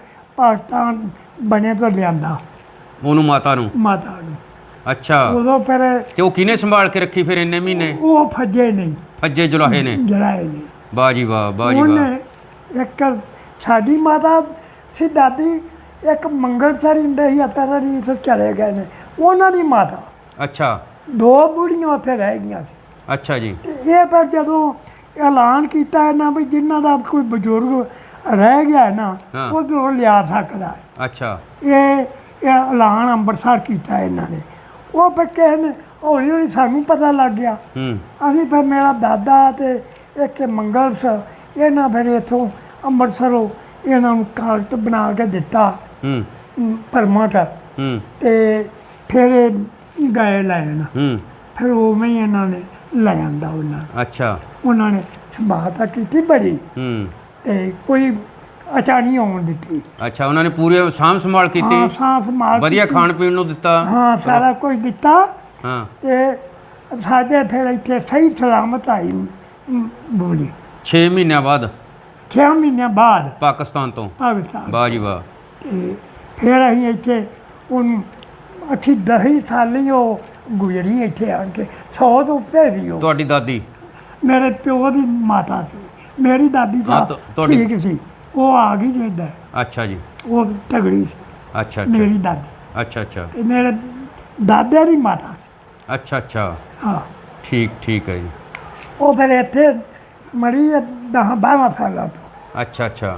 ਪਾਕਿਸਤਾਨ ਬਣੇ ਤੋਂ ਲਿਆਂਦਾ ਉਹਨੂੰ ਮਾਤਾ ਨੂੰ। ਮਾਤਾ ਨੂੰ। ਅੱਛਾ ਉਦੋਂ ਫਿਰ ਤੇ ਉਹ ਕਿਹਨੇ ਸੰਭਾਲ ਕੇ ਰੱਖੀ ਫਿਰ ਇੰਨੇ ਮਹੀਨੇ? ਉਹ ਫੱਜੇ ਨਹੀਂ ਫੱਜੇ ਜੁਲਾਹੇ ਨੇ। ਜਲਾਏ ਨਹੀਂ ਵਾਹ ਜੀ ਵਾਹ, ਵਾਹ ਜੀ ਵਾਹ। ਉਹਨੇ ਇੱਕ ਸਾਡੀ ਮਾਤਾ ਸੀ ਦਾਦੀ ਇੱਕ ਮੰਗਲਸਰ ਹੁੰਦੇ ਸੀ ਅਤਰ ਜੀ ਤੋਂ ਚਲੇ ਗਏ ਨੇ ਉਹਨਾਂ ਦੀ ਮਾਤਾ। ਅੱਛਾ ਦੋ ਬੁੜੀਆਂ ਉੱਥੇ ਰਹਿ ਗਈਆਂ ਸੀ। ਅੱਛਾ ਜੀ। ਤੇ ਇਹ ਫਿਰ ਜਦੋਂ ਐਲਾਨ ਕੀਤਾ ਇਹਨਾਂ ਵੀ ਜਿਨ੍ਹਾਂ ਦਾ ਕੋਈ ਬਜ਼ੁਰਗ ਰਹਿ ਗਿਆ ਨਾ ਹਾਂ। ਉਧਰੋਂ ਲਿਆ ਸਕਦਾ ਹੈ। ਅੱਛਾ ਇਹ ਇਹ ਐਲਾਨ ਅੰਮ੍ਰਿਤਸਰ ਕੀਤਾ ਇਹਨਾਂ ਨੇ। ਉਹ ਫਿਰ ਕਿਸੇ ਨੇ ਹੌਲੀ ਹੌਲੀ ਸਾਨੂੰ ਪਤਾ ਲੱਗ ਗਿਆ। ਹੂੰ ਅਸੀਂ ਫਿਰ ਮੇਰਾ ਦਾਦਾ ਤੇ ਇੱਕ ਮੰਗਲਸ ਇਹਨਾਂ ਫਿਰ ਇੱਥੋਂ ਅੰਮ੍ਰਿਤਸਰੋਂ ਇਹਨਾਂ ਨੂੰ ਕਾਗਜ਼ ਬਣਾ ਕੇ ਦਿੱਤਾ ਹੂੰ ਪਰਮਟ ਹੂੰ ਤੇ ਫਿਰ ਇਹ ਗਏ ਲੈਣ। ਹੂੰ ਫਿਰ ਉਵੇਂ ਹੀ ਇਹਨਾਂ ਨੇ ਲੈ ਆਂਦਾ ਉਹਨਾਂ ਨੂੰ। ਅੱਛਾ ਉਹਨਾਂ ਨੇ ਸੰਭਾਲ ਤਾਂ ਕੀਤੀ ਬੜੀ ਹੂੰ ਤੇ ਕੋਈ ਅਚਾਨੀ ਆਉਣ ਦਿੱਤੀ। ਅੱਛਾ ਉਹਨਾਂ ਨੇ ਪੂਰੇ ਸਾਂਭ ਸੰਭਾਲ ਹਾਂ ਕੀਤੀ, ਸਾਂ ਸੰਭਾਲ ਵਧੀਆ ਕੀਤੀ। ਖਾਣ ਪੀਣ ਨੂੰ ਦਿੱਤਾ। ਹਾਂ ਸਾਰਾ ਕੁਝ ਦਿੱਤਾ ਹਾਂ ਤੇ ਸਾਡੇ ਫਿਰ ਇੱਥੇ ਸਹੀ ਸਲਾਮਤ ਆਈ ਮ, ਬੋਲੀ ਛੇ ਮਹੀਨਿਆਂ ਬਾਅਦ ਛੇ ਮਹੀਨਿਆਂ ਬਾਅਦ ਪਾਕਿਸਤਾਨ ਤੋਂ। ਪਾਕਿਸਤਾਨ। ਵਾਹ ਜੀ ਵਾਹ। ਤੇ ਫਿਰ ਅਸੀਂ ਇੱਥੇ ਉਹਨੂੰ ਅੱਠੀ ਦਹੀਂ ਸਾਲੀ ਉਹ ਗੁਜ਼ਰੀ ਇੱਥੇ ਆਣ ਕੇ ਸੌ ਤੋਂ ਉੱਤੇ ਸੀ ਉਹ। ਤੁਹਾਡੀ ਦਾਦੀ? ਮੇਰੇ ਪਿਓ ਦੀ ਮਾਤਾ ਸੀ। ਮੇਰੀ ਦਾਦੀ ਹਾਂ, ਤਾਂ ਤੁ- ਤੁਹਾਡੀ- ਠੀਕ ਸੀ ਉਹ ਆ ਗਈ ਜੇ ਇੱਧਰ। ਅੱਛਾ ਜੀ। ਉਹ ਤਗੜੀ ਸੀ ਅੱਛਾ ਅੱਛਾ ਮੇਰੀ ਦਾਦੀ ਅੱਛਾ ਅੱਛਾ ਤੇ ਮੇਰੇ ਦਾਦੇ ਦੀ ਮਾਤਾ ਸੀ। ਅੱਛਾ ਅੱਛਾ ਹਾਂ ਠੀਕ ਠੀਕ ਹੈ ਜੀ। ਉਹ ਫਿਰ ਇੱਥੇ ਮਰੀ ਦਸ ਬਾਰਾਂ ਸਾਲਾਂ ਤੋਂ। ਅੱਛਾ ਅੱਛਾ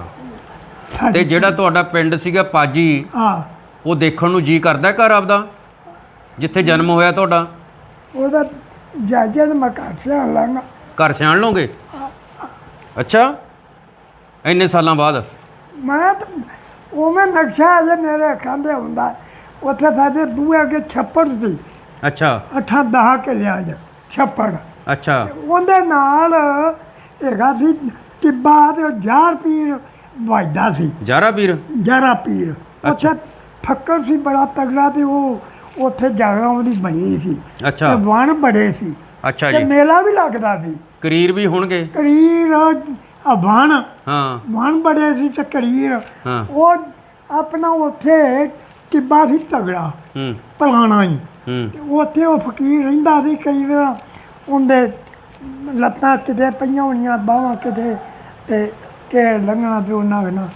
ਤੇ ਸਾਡੀ- ਜਿਹੜਾ ਤੁਹਾਡਾ ਪਿੰਡ ਸੀਗਾ ਪਾਜੀ, ਹਾਂ ਉਹ ਦੇਖਣ ਨੂੰ ਜੀ ਕਰਦਾ ਘਰ ਆਪਦਾ ਜਿੱਥੇ ਜਨਮ ਹੋਇਆ ਤੁਹਾਡਾ? ਉਹਦਾ ਜਾਜੇ ਦੇ ਮਕਾਨ ਸਿਆਣ ਲਾਂਗਾ। ਘਰ ਸਿਆਣ ਲਓਗੇ? ਅੱਛਾ ਇੰਨੇ ਸਾਲਾਂ ਬਾਅਦ? ਮੈਂ ਤਾਂ ਉਵੇਂ ਨਕਸ਼ਾ ਅਜੇ ਮੇਰੇ ਅੱਖਾਂ ਦੇ ਹੁੰਦਾ। ਉੱਥੇ ਸਾਡੇ ਬੂਹੇ ਅੱਗੇ ਛੱਪੜ ਸੀ ਅੱਛਾ ਅੱਠਾਂ ਦਹਾਂ ਕਿੱਲਿਆਂ 'ਚ ਛੱਪੜ। ਅੱਛਾ ਉਹਦੇ ਨਾਲ ਹੈਗਾ ਸੀ ਟਿੱਬਾ ਤੇ ਉਹ ਜਾਰ ਪੀਰ ਵੱਜਦਾ ਸੀ। ਜਾਰਾ ਵੀਰ? ਜਾਰਾ ਪੀਰ ਉੱਥੇ ਫੱਕਰ ਸੀ ਬੜਾ ਤਗੜਾ ਤੇ ਉਹ ਉੱਥੇ ਜਗ੍ਹਾ ਉਹਦੀ ਬਣੀ ਸੀ ਅੱਛਾ ਤੇ ਵਣ ਬੜੇ ਸੀ ਅੱਛਾ ਤੇ ਜੀ। ਮੇਲਾ ਵੀ ਲੱਗਦਾ ਸੀ। ਕਰੀਰ ਵੀ ਹੋਣਗੇ? ਕਰੀਰ ਆ ਵਣ ਹਾਂ ਵਣ ਬੜੇ ਸੀ ਤੇ ਕਰੀਰ ਹਾਂ ਉਹ ਆਪਣਾ ਉੱਥੇ ਟਿੱਬਾ ਸੀ ਤਗੜਾ ਹੂੰ ਪੁਰਾਣਾ ਹੀ। ਹੂੰ ਤੇ ਉੱਥੇ ਉਹ ਫਕੀਰ ਰਹਿੰਦਾ ਸੀ। ਕਈ ਵਾਰ ਉਹਦੇ ਲੱਤਾਂ ਕਿਤੇ ਪਈਆਂ ਹੋਈਆਂ ਬਾਹਾਂ ਕਿਤੇ ਤੇ ਕਿ ਲੰਘਣਾ ਪਿਓ ਨਾ ਨਾ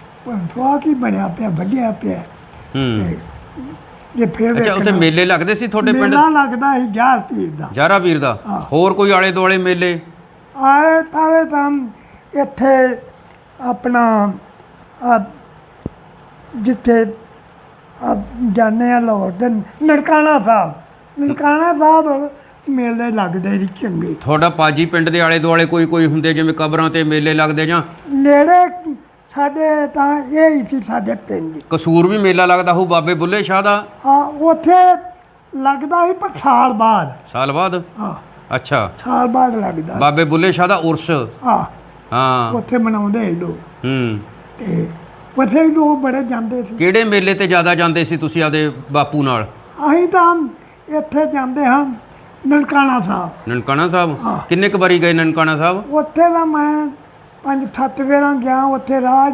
ਉਹ ਕੀ ਬਣਿਆ ਪਿਆ ਵੱਡਿਆ ਪਿਆ। ਹੂੰ ਤੇ ਜੇ ਫਿਰ ਅੱਛਾ ਉੱਥੇ ਵੇਖਣਾ, ਮੇਲੇ ਲੱਗਦੇ ਸੀ ਤੁਹਾਡੇ ਪਿੰਡ? ਮੇਲਾ ਲੱਗਦਾ ਸੀ ਜਾਰ ਪੀਰ ਦਾ। ਜਾਰਾ ਵੀਰ ਦਾ? ਹਾਂ। ਹੋਰ ਕੋਈ ਆਲੇ ਦੁਆਲੇ ਮੇਲੇ? ਆਏ ਪਾਵੇ ਤਾਂ ਇੱਥੇ ਆਪਣਾ ਆ ਜਿੱਥੇ ਆ ਜਾਂਦੇ ਆ ਲਾਹੌਰ ਦੇ ਨਨਕਾਣਾ ਸਾਹਿਬ ਨਨਕਾਣਾ ਸਾਹਿਬ ਮੇਲੇ ਲੱਗਦੇ ਸੀ ਚੰਗੇ। ਤੁਹਾਡਾ ਪਾਜੀ ਪਿੰਡ ਦੇ ਆਲੇ ਦੁਆਲੇ ਕੋਈ ਕੋਈ ਹੁੰਦੇ ਜਿਵੇਂ ਕਬਰਾਂ ਤੇ ਮੇਲੇ ਲੱਗਦੇ ਜਾਂ? ਨੇੜੇ ਸਾਡੇ ਤਾਂ ਇਹ ਹੀ ਸੀ ਸਾਡੇ ਪਿੰਡ। ਕਸੂਰ ਵੀ ਮੇਲਾ ਲੱਗਦਾ ਹੋਊ ਬਾਬੇ ਬੁੱਲੇ ਸ਼ਾਹ ਦਾ? ਆ ਉੱਥੇ ਲੱਗਦਾ ਸੀ ਪਰ ਸਾਲ ਬਾਅਦ। ਸਾਲ ਬਾਅਦ? ਹਾਂ ਅੱਛਾ ਸਾਲ ਬਾਅਦ ਲੱਗਦਾ। ਬਾਬੇ ਬੁੱਲੇ ਸ਼ਾਹ ਦਾ ਉਰਸ? ਹਾਂ ਹਾਂ ਉੱਥੇ ਮਨਾਉਂਦੇ ਸੀ ਲੋਕ ਹੂੰ ਤੇ ਉੱਥੇ ਵੀ ਲੋਕ ਬੜੇ ਜਾਂਦੇ ਸੀ। ਕਿਹੜੇ ਮੇਲੇ ਤੇ ਜ਼ਿਆਦਾ ਜਾਂਦੇ ਸੀ ਤੁਸੀਂ ਆਪਦੇ ਬਾਪੂ ਨਾਲ? ਅਸੀਂ ਤਾਂ ਇੱਥੇ ਜਾਂਦੇ ਹਾਂ ਨਨਕਾਣਾ ਸਾਹਿਬ। ਨਨਕਾਣਾ ਸਾਹਿਬ? ਹਾਂ। ਕਿੰਨੇ ਕੁ ਵਾਰੀ ਗਏ ਨਨਕਾਣਾ ਸਾਹਿਬ? ਉੱਥੇ ਦਾ ਮੈਂ ਪੰਜ ਸੱਤ ਵੇਰਾਂ ਗਿਆ। ਉੱਥੇ ਰਾਜ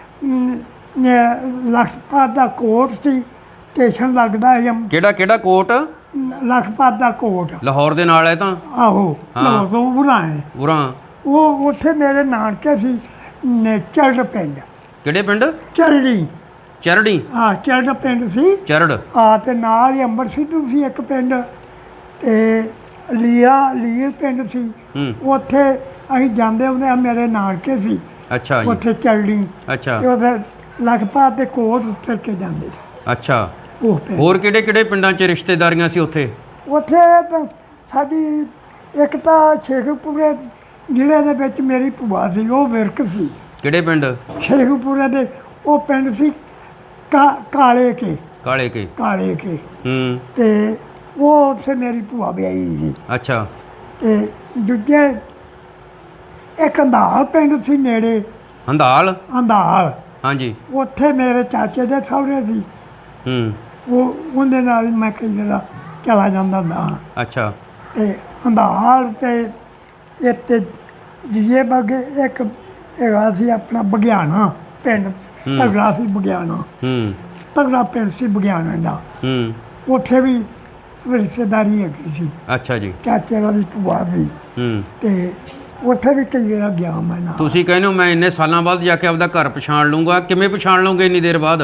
ਲਖਪਤ ਦਾ ਕੋਟ ਸੀ ਸਟੇਸ਼ਨ ਲੱਗਦਾ ਸੀ। ਕਿਹੜਾ ਕਿਹੜਾ ਕੋਟ? ਲਖਪਤ ਦਾ ਕੋਟ ਲਾਹੌਰ ਦੇ ਨਾਲ ਹੈ ਤਾਂ? ਆਹੋ ਹਾਂ। ਲਾਹੌਰ ਤੋਂ ਬੁਲਾਏ। ਉਰਾਂ? ਉਹ ਉੱਥੇ ਮੇਰੇ ਨਾਨਕੇ ਸੀ ਨੇ ਚਰੜ ਪਿੰਡ। ਕਿਹੜੇ ਪਿੰਡ? ਚਰੜੀ ਚਰੜੀ? ਹਾਂ ਚਰੜ ਪਿੰਡ ਸੀ। ਚਰੜ? ਆ ਤੇ ਨਾਲ ਹੀ ਅੰਬਰ ਸਿੱਧੂ ਸੀ ਇੱਕ ਪਿੰਡ ਤੇ ਲੀਆ ਲੀਰ ਪਿੰਡ ਸੀ। ਹੂੰ ਉੱਥੇ ਅਸੀਂ ਜਾਂਦੇ ਹੁੰਦੇ ਆ ਮੇਰੇ ਨਾਨਕੇ ਸੀ ਅੱਛਾ ਜੀ ਉੱਥੇ ਚਰੜੀ ਅੱਛਾ ਤੇ ਉਹਦੇ ਲਖਪਤ ਦੇ ਕੋਟ ਉੱਤਰ ਕੇ ਜਾਂਦੇ ਸੀ ਅੱਛਾ ਉਹ ਪਿੰਡ। ਹੋਰ ਕਿਹੜੇ ਕਿਹੜੇ ਪਿੰਡਾਂ 'ਚ ਰਿਸ਼ਤੇਦਾਰੀਆਂ ਸੀ ਉੱਥੇ? ਉੱਥੇ ਤਾਂ ਸਾਡੀ ਇੱਕ ਤਾਂ ਸ਼ੇਖੂਪੁਰੇ ਜ਼ਿਲ੍ਹੇ ਦੇ ਵਿੱਚ ਮੇਰੀ ਭੂਆ ਸੀ ਉਹ ਵਿਰਕ ਸੀ। ਕਿਹੜੇ ਪਿੰਡ? ਸ਼ੇਖੂਪੁਰੇ ਦੇ ਉਹ ਪਿੰਡ ਸੀ ਕਾ ਕਾਲੇ ਕੇ ਕਾਲੇ ਕੇ? ਕਾਲੇ ਕੇ ਹੂੰ ਤੇ ਉਹ ਉੱਥੇ ਮੇਰੀ ਭੂਆ ਵਿਆਹੀ ਸੀ। ਅੱਛਾ ਤੇ ਦੂਜੇ ਇੱਕ ਅੰਧਾਲ ਪਿੰਡ ਸੀ ਨੇੜੇ। ਹੰਦਾਲ? ਅੰਧਾਲ ਹਾਂਜੀ ਉੱਥੇ ਮੇਰੇ ਚਾਚੇ ਦੇ ਸਹੁਰੇ ਸੀ। ਹੂੰ ਉਹ ਉਹਦੇ ਨਾਲ ਹੀ ਮੈਂ ਕਈ ਦਿਨ ਚਲਾ ਜਾਂਦਾ ਹੁੰਦਾ ਹਾਂ। ਅੱਛਾ ਤੇ ਅੰਧਾਰ ਤੇ ਇੱਥੇ ਜੀਏ ਬਗੇ ਇੱਕ ਹੈਗਾ ਸੀ ਆਪਣਾ ਬਗਿਆਣਾ ਪਿੰਡ, ਤਗੜਾ ਸੀ ਬਗਿਆਣਾ, ਹੂੰ ਤਗੜਾ ਪਿੰਡ ਸੀ ਬਗਿਆਣਾ ਦਾ। ਹੂੰ ਉੱਥੇ ਵੀ ਰਿਸ਼ਤੇਦਾਰੀ ਹੈਗੀ ਸੀ, ਅੱਛਾ ਜੀ ਚਾਚੇ ਵਾਲੀ ਭੂਆ ਵੀ, ਹੂੰ ਤੇ ਉੱਥੇ ਵੀ ਕਈ ਵਾਰ ਗਿਆ ਮੈਂ ਨਾਲ। ਤੁਸੀਂ ਕਹਿੰਦੇ ਹੋ ਮੈਂ ਇੰਨੇ ਸਾਲਾਂ ਬਾਅਦ ਜਾ ਕੇ ਆਪਦਾ ਘਰ ਪਛਾਣ ਲੂੰਗਾ, ਕਿਵੇਂ ਪਛਾਣ ਲਓਗੇ ਇੰਨੀ ਦੇਰ ਬਾਅਦ?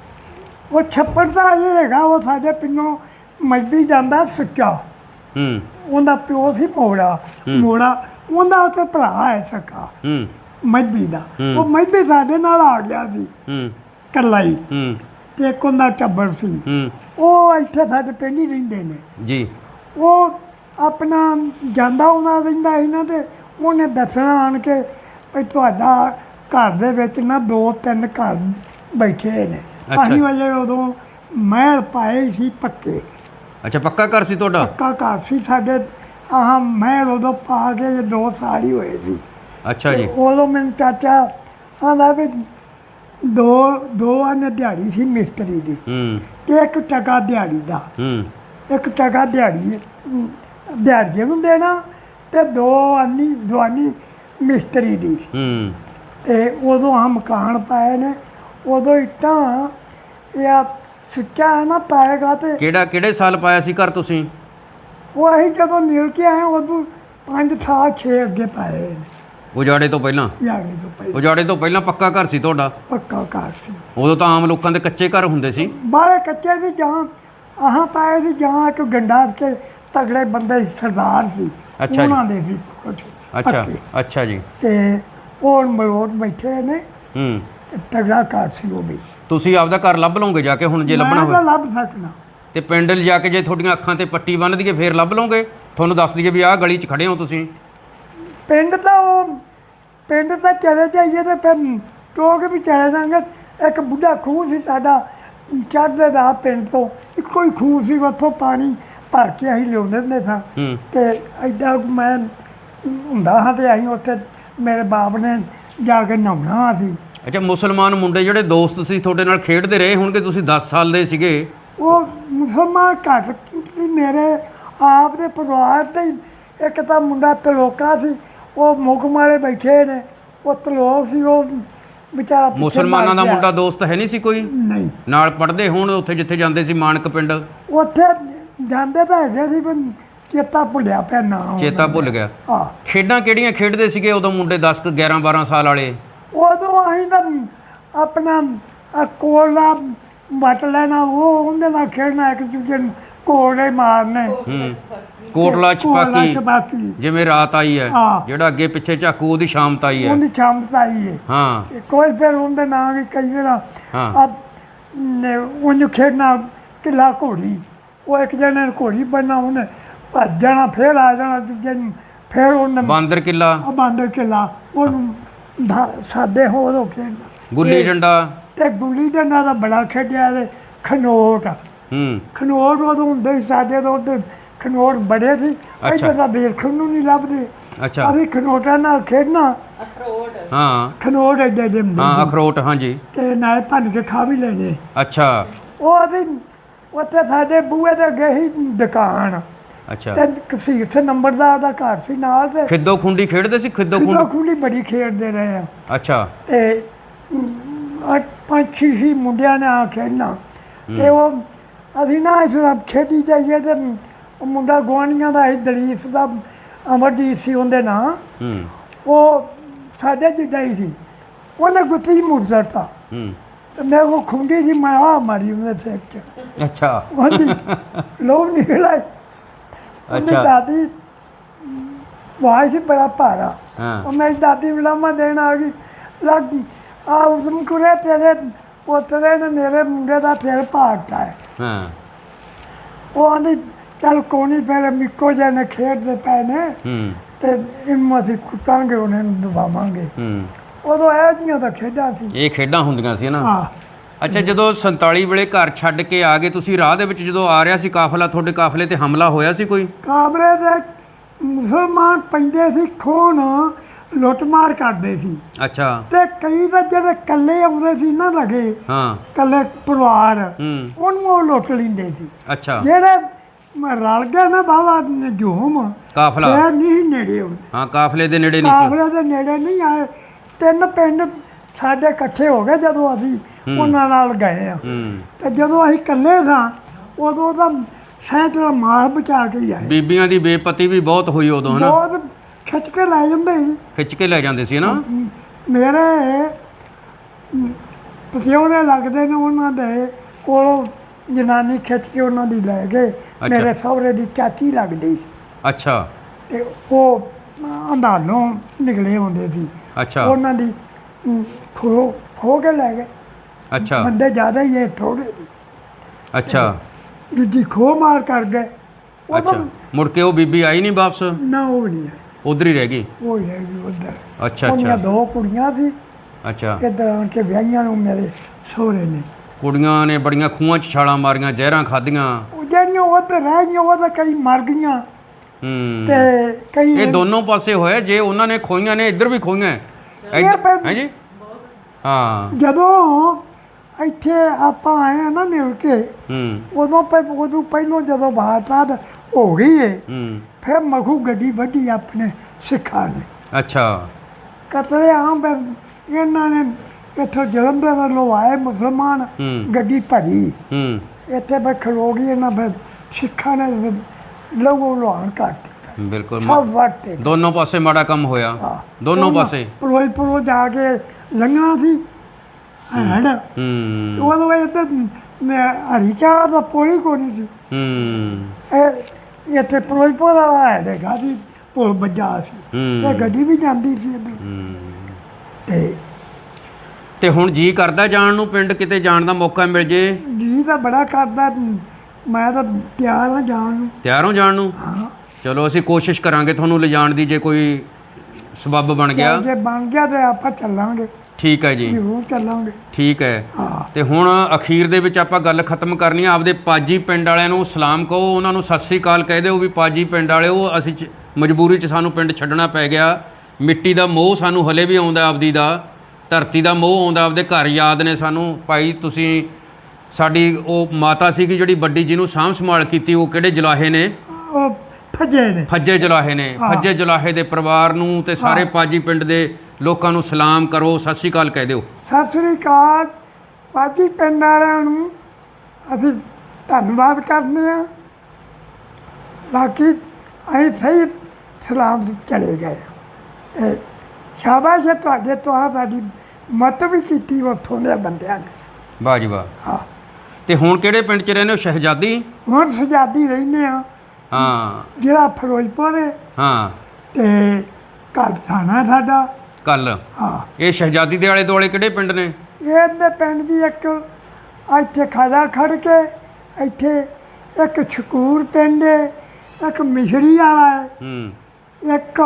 ਉਹ ਛੱਪੜ ਦਾ ਇਹ ਹੈਗਾ, ਉਹ ਸਾਡੇ ਪਿੰਡੋਂ ਮੱਝੀ ਜਾਂਦਾ ਸੁੱਚਾ, ਹੂੰ ਉਹਦਾ ਪਿਓ ਸੀ ਮੋੜਾ, ਮੋੜਾ ਉਹਦਾ ਉੱਥੇ ਭਰਾ ਹੈ ਸਕਾ ਹੂੰ ਮੱਝੀ ਦਾ। ਉਹ ਮੱਝੀ ਸਾਡੇ ਨਾਲ ਆ ਗਿਆ ਸੀ ਹੂੰ ਇਕੱਲਾ ਹੀ, ਹੂੰ ਤੇ ਇੱਕ ਉਹਦਾ ਟੱਬਰ ਸੀ। ਹੂੰ ਉਹ ਇੱਥੇ ਸਾਡੇ ਪਿੰਡ ਹੀ ਰਹਿੰਦੇ ਨੇ। ਜੀ ਉਹ ਆਪਣਾ ਜਾਂਦਾ ਉਹਨਾਂ ਰਹਿੰਦਾ ਇਹਨਾਂ ਦੇ, ਉਹਨੇ ਦੱਸਣਾ ਆਣ ਕੇ ਵੀ ਤੁਹਾਡਾ ਘਰ ਦੇ ਵਿੱਚ ਨਾ ਦੋ ਤਿੰਨ ਘਰ ਬੈਠੇ ਨੇ। ਅੱਛਾ। ਅਸੀਂ ਵਜੇ ਉਦੋਂ ਮਹਿਲ ਪਾਏ ਸੀ ਪੱਕੇ, ਅੱਛਾ ਪੱਕਾ ਘਰ ਸੀ ਤੁਹਾਡਾ? ਪੱਕਾ ਘਰ ਸੀ ਸਾਡੇ। ਆਹ ਮਹਿਲ ਉਦੋਂ ਪਾ ਕੇ ਜੇ ਦੋ ਸਾਲ ਹੀ ਹੋਏ ਸੀ। ਅੱਛਾ ਜੀ ਉਦੋਂ ਮੈਨੂੰ ਚਾਚਾ ਆਂਦਾ ਵੀ ਦੋ ਦੋ ਆਨੇ ਦਿਹਾੜੀ ਸੀ ਮਿਸਤਰੀ ਦੀ, ਹੂੰ ਤੇ ਇੱਕ ਟਕਾ ਦਿਹਾੜੀ ਦਾ, ਹੂੰ ਇੱਕ ਟਕਾ ਦਿਹਾੜੀ ਦਿਹਾੜੀਏ ਨੂੰ ਦੇਣਾ, ਤੇ ਦੋ ਆਨੀ ਦਵਾਨੀ ਮਿਸਤਰੀ ਦੀ ਸੀ। ਹੂੰ ਤੇ ਉਦੋਂ ਆ ਮਕਾਨ ਪਾਏ ਨੇ, ਉਦੋਂ ਇੱਟਾਂ ਇਹ ਸੁੱਚਾ ਹੈ ਨਾ ਪਾਏਗਾ। ਤੇ ਕਿਹੜਾ ਕਿਹੜੇ ਸਾਲ ਪਾਇਆ ਸੀ ਘਰ ਤੁਸੀਂ? ਉਹ ਅਸੀਂ ਜਦੋਂ ਨਿਕਲ ਕੇ ਆਏ ਉਦੋਂ ਪੰਜ ਸਾਲ ਛੇ ਅੱਗੇ ਪਾਏ ਨੇ, ਉਜਾੜੇ ਤੋਂ ਪਹਿਲਾਂ? ਦਿਹਾੜੀ ਤੋਂ ਪਹਿਲਾਂ ਉਜਾੜੇ ਤੋਂ ਪਹਿਲਾਂ ਪੱਕਾ ਘਰ ਸੀ ਤੁਹਾਡਾ? ਪੱਕਾ ਘਰ ਸੀ। ਉਦੋਂ ਤਾਂ ਆਮ ਲੋਕਾਂ ਦੇ ਕੱਚੇ ਘਰ ਹੁੰਦੇ ਸੀ। ਬਾਹਲੇ ਕੱਚੇ ਦੀ ਜਾਂ ਆਹਾਂ ਪਾਏ ਦੀ ਜਾਂ ਇੱਕ ਗੰਡਾ ਕੇ ਤਗੜੇ ਬੰਦੇ ਸੀ, ਸਰਦਾਰ ਸੀ, ਅੱਛਾ ਜੀ। ਉਹਨਾਂ ਦੇ ਵੀ ਕੋਠੇ ਅੱਛਾ ਪੱਕੇ। ਅੱਛਾ ਜੀ ਤੇ ਉਹ ਮਲੋਟ ਬੈਠੇ ਨੇ, ਹੂੰ ਤੇ ਤਗੜਾ ਘਰ ਸੀ ਉਹ ਵੀ। ਤੁਸੀਂ ਆਪਦਾ ਘਰ ਲੱਭ ਲਓਗੇ ਜਾ ਕੇ ਹੁਣ ਜੇ ਲੱਭਣਾ ਮੈਂ ਤਾਂ ਹੋਵੇ? ਲੱਭ ਸਕਦਾ। ਤੇ ਪਿੰਡ ਲਿਜਾ ਕੇ ਜੇ ਤੁਹਾਡੀਆਂ ਅੱਖਾਂ ਤੇ ਪੱਟੀ ਬੰਨ੍ਹ ਦਈਏ ਫੇਰ ਲੱਭ ਲਓਗੇ? ਤੁਹਾਨੂੰ ਦੱਸ ਦਈਏ ਵੀ ਆਹ ਗਲੀ 'ਚ ਖੜੇ ਹੋ ਤੁਸੀਂ? ਪਿੰਡ ਤਾਂ ਉਹ ਪਿੰਡ ਤਾਂ ਚਲੇ ਜਾਈਏ ਤੇ ਫਿਰ ਟੋਕ ਵੀ ਚਲੇ ਜਾਂਗੇ। ਇੱਕ ਬੁੱਢਾ ਖੂਹ ਸੀ ਸਾਡਾ ਚੜ੍ਹਦੇ ਦਾ ਪਿੰਡ ਤੋਂ, ਇੱਕੋ ਹੀ ਖੂਹ ਸੀ, ਉੱਥੋਂ ਪਾਣੀ ਭਰ ਕੇ ਅਸੀਂ ਲਿਆਉਂਦੇ ਹੁੰਦੇ ਸਾਂ। ਹੂੰ ਤੇ ਐਡਾ ਮੈਂ ਹੁੰਦਾ ਹਾਂ ਤੇ ਅਸੀਂ ਉੱਥੇ ਮੇਰੇ ਬਾਪ ਨੇ ਜਾ ਕੇ ਨਹਾਉਣਾ ਸੀ। ਅੱਛਾ ਮੁਸਲਮਾਨ ਮੁੰਡੇ ਜਿਹੜੇ ਦੋਸਤ ਸੀ ਤੁਹਾਡੇ ਨਾਲ ਖੇਡਦੇ ਰਹੇ ਹੋਣਗੇ, ਤੁਸੀਂ ਦਸ ਸਾਲ ਦੇ ਸੀਗੇ? ਉਹ ਮੁਸਲਮਾਨ ਘੱਟ ਸੀ ਮੇਰੇ ਆਪ ਦੇ ਪਰਿਵਾਰ ਦੇ ਹੀ। ਇੱਕ ਤਾਂ ਮੁੰਡਾ ਤਲੋਕਾ ਸੀ, ਉਹ ਮੁਕਮ ਵਾਲੇ ਬੈਠੇ ਨੇ, ਉਹ ਤਲੋਕ ਸੀ, ਉਹ ਵਿਚਾਰਾ ਪਿੱਛੇ ਮੁਸਲਮਾਨਾਂ ਦਾ ਮਰ ਗਿਆ। ਮੁੰਡਾ ਦੋਸਤ ਹੈ ਨਹੀਂ ਸੀ ਕੋਈ ਨਹੀਂ, ਨਾਲ ਪੜ੍ਹਦੇ ਹੋਣ ਉੱਥੇ ਜਿੱਥੇ ਜਾਂਦੇ ਸੀ ਮਾਨਕ ਪਿੰਡ? ਉੱਥੇ ਜਾਂਦੇ ਤਾਂ ਹੈਗੇ ਸੀ ਪਰ ਚੇਤਾ ਭੁੱਲਿਆ ਪਿਆ ਨਾ। ਚੇਤਾ ਭੁੱਲ ਗਿਆ। ਹਾਂ, ਖੇਡਾਂ ਕਿਹੜੀਆਂ ਖੇਡਦੇ ਸੀਗੇ ਉਦੋਂ ਮੁੰਡੇ ਦਸ ਕੁ ਗਿਆਰਾਂ ਬਾਰਾਂ ਸਾਲ ਵਾਲੇ? ਉਦੋਂ ਅਸੀਂ ਤਾਂ ਆਪਣਾ ਆਹ ਕੋਲਾ ਵੱਟ ਲੈਣਾ, ਉਹ ਉਹਦੇ ਨਾਲ ਖੇਡਣਾ, ਇੱਕ ਦੂਜੇ ਨੂੰ ਕੋਲੇ ਮਾਰਨੇ। ਹੂੰ ਕੋਟਲਾ ਕੋਟਲਾ ਛਪਾਕੀ, ਛਪਾਕੀ। ਜਿਵੇਂ ਰਾਤ ਆਈ ਹੈ, ਹਾਂ। ਜਿਹੜਾ ਅੱਗੇ ਪਿੱਛੇ ਝਾਕੂ ਉਹਦੀ ਸ਼ਾਮਤ ਆਈ ਹੈ। ਉਹਦੀ ਛਮਤਾ ਹੀ ਹੈ। ਹਾਂ ਤੇ ਕੋਈ ਫਿਰ ਉਹਦੇ ਨਾਂ ਵੀ ਕਈ ਵਾਰ ਹਾਂ। ਆ ਉਹਨੂੰ ਖੇਡਣਾ ਕਿੱਲਾ ਘੋੜੀ, ਉਹ ਇੱਕ ਜਣੇ ਨੇ ਘੋੜੀ ਬਣਨਾ, ਉਹਨੇ ਭੱਜ ਜਾਣਾ, ਫਿਰ ਆ ਜਾਣਾ ਦੂਜੇ ਨੂੰ, ਫਿਰ ਉਹਨੇ ਬਾਂਦਰ ਕਿੱਲਾ, ਆ ਬਾਂਦਰ ਕਿੱਲਾ, ਉਹਨੂੰ ਧਾ- ਸਾਡੇ ਹੋਰ ਹੋ ਖੇਡਣਾ। ਗੁੱਲੀ ਇਹ- ਡੰਡਾ। ਤੇ ਗੁੱਲੀ ਡੰਡਾ ਦਾ ਬੜਾ ਖੇਡਿਆ। ਤੇ ਖਨੋਟ, ਹੂੰ ਖਨੋਟ ਉਦੋਂ ਹੁੰਦੇ ਸੀ ਸਾਡੇ ਤੋਂ, ਉੱਧਰ ਖਨੋਟ ਬੜੇ ਸੀ, ਇੱਧਰ ਤਾਂ ਵੇਖਣ ਨੂੰ ਨਹੀਂ ਲੱਭਦੇ। ਅੱਛਾ ਅਸੀਂ ਖਨੋਟਾਂ ਨਾਲ ਖੇਡਣਾ, ਹਾਂ ਖਨੋਟ ਐਡੇ ਐਡੇ ਹੁੰਦੇ ਹਾਂ ਸੀ, ਅਖਰੋਟ, ਹਾਂਜੀ ਤੇ ਨਾਲ ਭੰਨ ਕੇ ਖਾ ਵੀ ਲੈਣੇ। ਅੱਛਾ ਉਹ ਅਸੀਂ ਉੱਥੇ ਸਾਡੇ ਬੂਹੇ ਦੇ ਅੱਗੇ ਹੀ ਦੁਕਾਨ, ਅੱਛਾ। ਤੇ ਕਸੀਰ ਸੇ ਨੰਬਰਦਾਰ ਦਾ ਘਰ ਸੀ ਨਾਲ। ਤੇ ਖਿੱਦੋ ਖੁੰਡੀ ਖੇਡਦੇ ਸੀ? ਖਿੱਦੋ ਖੁੱਲਾ ਖੁੰਡੀ, ਖੁੱਲੀ ਬੜੀ ਖੇਡਦੇ ਰਹੇ ਆ। ਅੱਛਾ ਤੇ ਅਮ, ਅੱਠ ਪੰਜ ਛੇ ਹੀ ਮੁੰਡਿਆਂ ਨੇ ਆ ਖੇਡਣਾ, ਤੇ ਉਹ ਅਸੀਂ ਨਾ ਇਸ ਤਰ੍ਹਾਂ ਖੇਡੀ ਜਾਈਏ। ਤੇ ਉਹ ਮੁੰਡਾ ਗੁਆਂਢੀਆਂ ਦਾ ਸੀ, ਦਲੀਪ ਦਾ, ਅਮਰਜੀਤ ਸੀ ਉਹਦੇ ਨਾਂ, ਹੂੰ ਉਹ ਸਾਡੇ ਜਿੱਦਾਂ ਹੀ ਸੀ। ਉਹਨੇ ਗੁੱਤੀ ਮੁਰਜ਼ਰ ਤਾ, ਹੂੰ ਤੇ ਮੇਰੇ ਕੋਲ ਖੁੰਡੀ ਸੀ, ਮੈਂ ਆ ਮਾਰੀ ਉਹਦੇ ਸਿਰ 'ਚ, ਅੱਛਾ ਉਹਦੀ ਲੋਹ ਨਿਕਲ ਆਈ। ਉਹਦੀ ਅੱਛਾ। ਦਾਦੀ ਵਾਹ ਸੀ ਬੜਾ ਭਾਰਾ, ਹਾਂ। ਉਹ ਮੇਰੀ ਦਾਦੀ ਨੂੰ ਲਾਮਾ ਦੇਣ ਆ ਗਈ, ਲੱਗ ਆ ਉਸਮ ਕੁਰੇ ਤੇਰੇ ਪੋਤਰੇ ਨੇ ਮੇਰੇ ਮੁੰਡੇ ਦਾ ਸਿਰ ਪਾੜਤਾ ਹੈ। ਹਾਂ ਉਹ ਆਂਦੀ ਚੱਲ ਕੋਣੀ ਫਿਰ ਮਿੱਕੋ ਜਿਹੇ ਨੇ ਖੇਡਦੇ ਪਏ ਨੇ, ਹੂੰ ਤੇ ਇਹਨੂੰ ਅਸੀਂ ਕੁੱਟਾਂਗੇ, ਉਹਨਾਂ ਨੂੰ ਦਬਾਵਾਂਗੇ। ਹੂੰ ਉਦੋਂ ਇਹੋ ਜਿਹੀਆਂ ਤਾਂ ਖੇਡਾਂ ਸੀ। ਇਹ ਖੇਡਾਂ ਹੁੰਦੀਆਂ ਸੀ ਨਾ। ਹਾਂ, ਅੱਛਾ ਜਦੋਂ ਸੰਤਾਲੀ ਵੇਲੇ ਘਰ ਛੱਡ ਕੇ ਆ ਗਏ ਤੁਸੀਂ, ਰਾਹ ਦੇ ਵਿੱਚ ਜਦੋਂ ਆ ਰਿਹਾ ਸੀ ਕਾਫਲਾ, ਤੁਹਾਡੇ ਕਾਫਲੇ ਤੇ ਹਮਲਾ ਹੋਇਆ ਸੀ ਕੋਈ? ਕਾਬਰੇ ਦੇ ਮੁਸਲਮਾਨ ਪੈਂਦੇ ਸੀ, ਖੋਣ ਲੁੱਟਮਾਰ ਕਰਦੇ ਸੀ। ਅੱਛਾ ਤੇ ਕਈ ਤਾਂ ਜਿਹੜੇ ਇਕੱਲੇ ਆਉਂਦੇ ਸੀ ਨਾ ਲਗੇ, ਹਾਂ ਇਕੱਲੇ ਪਰਿਵਾਰ, ਹੂੰ ਉਹਨੂੰ ਉਹ ਲੁੱਟ ਲੈਂਦੇ ਸੀ। ਅੱਛਾ ਜਿਹੜੇ ਮੈਂ ਰਲ ਗਿਆ ਨਾ ਬਾਬਾ ਜੂਮ ਕਾਫਲਾ ਇਹ ਨਹੀਂ ਨੇੜੇ ਆਉਂਦੇ ਹਾਂ ਕਾਫਲੇ ਦੇ ਨੇੜੇ ਨਹੀਂ ਸੀ ਕਾਫਲੇ ਦੇ ਨੇੜੇ ਨਹੀਂ ਆਏ ਤਿੰਨ ਪਿੰਡ ਸਾਡੇ ਇਕੱਠੇ ਹੋ ਗਏ ਜਦੋਂ ਅਸੀਂ ਉਹਨਾਂ ਨਾਲ ਗਏ ਆ ਹੂੰ ਤੇ ਜਦੋਂ ਅਸੀਂ ਇਕੱਲੇ ਸਾਂ ਉਦੋਂ ਤਾਂ ਸੈਂਕੜਾ ਮਾਸ ਬਚਾ ਕੇ ਹੀ ਆਏ ਬੀਬੀਆਂ ਦੀ ਬੇਪਤੀ ਵੀ ਬਹੁਤ ਹੋਈ ਉਦੋਂ ਹਨਾ ਬਹੁਤ ਖਿੱਚ ਕੇ ਲੈ ਜਾਂਦੇ ਸੀ ਖਿੱਚ ਕੇ ਲੈ ਜਾਂਦੇ ਸੀ ਨਾ ਮੇਰੇ ਪਤਿਓਰੇ ਲੱਗਦੇ ਨੇ ਉਹਨਾਂ ਦੇ ਕੋਲੋਂ ਜਨਾਨੀ ਖਿੱਚ ਕੇ ਉਹਨਾਂ ਦੀ ਲੈ ਗਏ ਮੇਰੇ ਸਹੁਰੇ ਦੀ ਚਾਚੀ ਲੱਗਦੀ ਸੀ ਅੱਛਾ ਤੇ ਉਹ ਅੰਦਾਲੋਂ ਨਿਕਲੇ ਹੁੰਦੇ ਸੀ ਅੱਛਾ ਉਹਨਾਂ ਦੀ ਖੋ ਖੋ ਕੇ ਲੈ ਗਏ ਅੱਛਾ ਬੰਦੇ ਜ਼ਿਆਦਾ ਹੀ ਇਹ ਥੋੜੇ ਸੀ ਅੱਛਾ ਦੂਜੀ ਖੋ ਮਾਰ ਕਰ ਗਏ ਉਹ ਤਾਂ ਅੱਛਾ ਮੁੜ ਕੇ ਉਹ ਬੀਬੀ ਆਈ ਨਹੀਂ ਵਾਪਸ ਨਾ ਉਹ ਵੀ ਨਹੀਂ ਆਈ ਉਧਰ ਹੀ ਰਹਿ ਗਈ ਉਹ ਹੀ ਰਹਿ ਗਈ ਉੱਧਰ ਅੱਛਾ ਉਹਦੀਆਂ ਅੱਛਾ ਦੋ ਕੁੜੀਆਂ ਸੀ ਅੱਛਾ ਇੱਧਰ ਆਣ ਕੇ ਵਿਆਹੀਆਂ ਨੂੰ ਮੇਰੇ ਸਹੁਰੇ ਨੇ ਕੁੜੀਆਂ ਨੇ ਬੜੀਆਂ ਖੂਹਾਂ 'ਚ ਛਾਲਾਂ ਮਾਰੀਆਂ ਜ਼ਹਿਰਾਂ ਖਾਧੀਆਂ ਉਹ ਜਿਹੜੀਆਂ ਉੱਧਰ ਰਹਿ ਗਈਆਂ ਉਹ ਤਾਂ ਕਈ ਮਰ ਗਈਆਂ ਹੂੰ ਤੇ ਕਈ ਇਹ ਦੋਨੋਂ ਪਾਸੇ ਹੋਇਆ ਜੇ ਉਹਨਾਂ ਨੇ ਖੋਈਆਂ ਨੇ ਇੱਧਰ ਵੀ ਖੋਈਆਂ ਇਹ ਫਿਰ ਹੈ ਜੀ ਹਾਂ ਜਦੋਂ ਇੱਥੇ ਆਪਾਂ ਆਏ ਆ ਨਾ ਮਿਲ ਕੇ ਹੂੰ ਉਦੋਂ ਪੈ ਉਦੋਂ ਪਹਿਲੋਂ ਜਦੋਂ ਬਾਤ ਹੋ ਗਈ ਏ ਹੂੰ ਫਿਰ ਮਖੂ ਗੱਡੀ ਵੱਢੀ ਆਪਣੇ ਸਿੱਖਾਂ ਨੇ ਅੱਛਾ ਕਤਲੇ ਆਮ ਫਿਰ ਇਹਨਾਂ ਨੇ ਇੱਥੋਂ ਜਲੰਧਰ ਵੱਲੋਂ ਆਏ ਮੁਸਲਮਾਨ ਹੂੰ ਗੱਡੀ ਭਰੀ ਹੂੰ ਇੱਥੇ ਫਿਰ ਖਲੋ ਗਈ ਇਹਨਾਂ ਫਿਰ ਸਿੱਖਾਂ ਨੇ ਲਹੂ ਲੁਹਾਨ ਕਰਤੀ ਬਿਲਕੁਲ ਸਭ ਵਰਤੇ ਦੋਨੋਂ ਪਾਸੇ ਮਾੜਾ ਕੰਮ ਹੋਇਆ ਦੋਨੋਂ ਪਾਸੇ ਪਰੋਈ ਪਰੋ ਜਾ ਕੇ ਲੰਘਣਾ ਸੀ ਹੈਡ ਹੂੰ ਉਦੋਂ ਇੱਥੇ ਹਰੀਕਾ ਦਾ ਪੋਲੀ ਕੋਣੀ ਸੀ ਹੂੰ ਇਹ ਇੱਥੇ ਫਿਰੋਜ਼ਪੁਰ ਵਾਲਾ ਹੈ ਦੇਖਾ ਵੀ ਪੁਲ ਵੱਜਾ ਸੀ ਹੂੰ। ਇਹ ਗੱਡੀ ਵੀ ਜਾਂਦੀ ਸੀ ਇੱਧਰ ਹੂੰ। ਤੇ ਤੇ ਹੁਣ ਜੀ ਕਰਦਾ ਜਾਣ ਨੂੰ ਪਿੰਡ ਕਿਤੇ ਜਾਣ ਦਾ ਮੌਕਾ ਮਿਲ ਜੇ ਜੀ ਤਾਂ ਬੜਾ ਕਰਦਾ ਮੈਂ ਤਾਂ ਤਿਆਰ ਹਾਂ ਜਾਣ ਨੂੰ ਤਿਆਰ ਹੋ ਜਾਣ ਨੂੰ ਹਾਂ ਚਲੋ ਅਸੀਂ ਕੋਸ਼ਿਸ਼ ਕਰਾਂਗੇ ਤੁਹਾਨੂੰ ਲਿਜਾਣ ਦੀ ਜੇ ਕੋਈ ਸਬੱਬ ਬਣ ਗਿਆ ਜੇ ਬਣ ਗਿਆ ਤੇ ਆਪਾਂ ਚੱਲਾਂਗੇ ਠੀਕ ਹੈ ਜੀ ਜ਼ਰੂਰ ਚੱਲਾਂਗੇ ਠੀਕ ਹੈ ਹਾਂ ਤੇ ਹੁਣ ਅਖੀਰ ਦੇ ਵਿੱਚ ਆਪਾਂ ਗੱਲ ਖਤਮ ਕਰਨੀ ਆ ਆਪਦੇ ਪਾਜੀ ਪਿੰਡ ਵਾਲਿਆਂ ਨੂੰ ਸਲਾਮ ਕਹੋ ਉਹਨਾਂ ਨੂੰ ਸਤਿ ਸ੍ਰੀ ਅਕਾਲ ਕਹਿ ਦਿਓ ਵੀ ਪਾਜੀ ਪਿੰਡ ਵਾਲਿਓ ਅਸੀਂ ਚ- ਮਜਬੂਰੀ 'ਚ ਸਾਨੂੰ ਪਿੰਡ ਛੱਡਣਾ ਪੈ ਗਿਆ ਮਿੱਟੀ ਦਾ ਮੋਹ ਸਾਨੂੰ ਹਲੇ ਵੀ ਆਉਂਦਾ ਆਪਦੀ ਦਾ ਧਰਤੀ ਦਾ ਮੋਹ ਆਉਂਦਾ ਆਪਦੇ ਘਰ ਯਾਦ ਨੇ ਸਾਨੂੰ ਭਾਈ ਤੁਸੀਂ ਸਾਡੀ ਉਹ ਮਾਤਾ ਸੀਗੀ ਜਿਹੜੀ ਵੱਡੀ ਜਿਹਨੂੰ ਸਾਂਭ ਸੰਭਾਲ ਕੀਤੀ ਉਹ ਕਿਹੜੇ ਜਲਾਹੇ ਨੇ ਉਹ ਫੱਜੇ ਨੇ ਫੱਜੇ ਜਲਾਹੇ ਨੇ ਫੱਜੇ ਜਲਾਹੇ ਦੇ ਪਰਿਵਾਰ ਨੂੰ ਤੇ ਸਾਰੇ ਪਾਜੀ ਪਿੰਡ ਦੇ ਲੋਕਾਂ ਨੂੰ ਸਲਾਮ ਕਰੋ ਸਤਿ ਸ੍ਰੀ ਅਕਾਲ ਕਹਿ ਦਿਓ ਸਤਿ ਸ੍ਰੀ ਅਕਾਲ ਪਾਜੀ ਪਿੰਡ ਵਾਲਿਆਂ ਨੂੰ ਅਸੀਂ ਧੰਨਵਾਦ ਕਰਦੇ ਹਾਂ ਬਾਕੀ ਅਸੀਂ ਸਹੀ ਸਲਾਮ ਚਲੇ ਗਏ ਤੇ ਸ਼ਾਬਾਸ਼ ਹੈ ਤੁਹਾਡੇ ਤੋਂ ਆ ਸਾਡੀ ਮਤ ਵੀ ਕੀਤੀ ਉੱਥੋਂ ਦੇ ਬੰਦਿਆਂ ਨੇ ਵਾਹ ਜੀ ਵਾਹ ਹਾਂ ਤੇ ਹੁਣ ਕਿਹੜੇ ਪਿੰਡ 'ਚ ਰਹਿੰਦੇ ਹੋ ਸ਼ਹਿਜ਼ਾਦੀ ਹੁਣ ਸਜਾਦੀ ਰਹਿੰਦੇ ਆ ਹਾਂ ਜਿਹੜਾ ਫਿਰੋਜ਼ਪੁਰ ਹੈ ਹਾਂ ਤੇ ਘਰ ਥਾਣਾ ਸਾਡਾ ਕੱਲ ਹਾਂ ਇਹ ਸ਼ਹਿਜ਼ਾਦੀ ਦੇ ਆਲੇ ਦੁਆਲੇ ਕਿਹੜੇ ਪਿੰਡ ਨੇ ਇਹਦੇ ਪਿੰਡ ਦੀ ਇੱਕ ਇੱਥੇ ਖਾਦਾ ਖੜ ਕੇ ਇੱਥੇ ਇੱਕ ਸ਼ਕੂਰ ਪਿੰਡ ਹੈ ਇੱਕ ਮਿਸ਼ਰੀ ਵਾਲਾ ਹੈ ਹੂੰ ਇੱਕ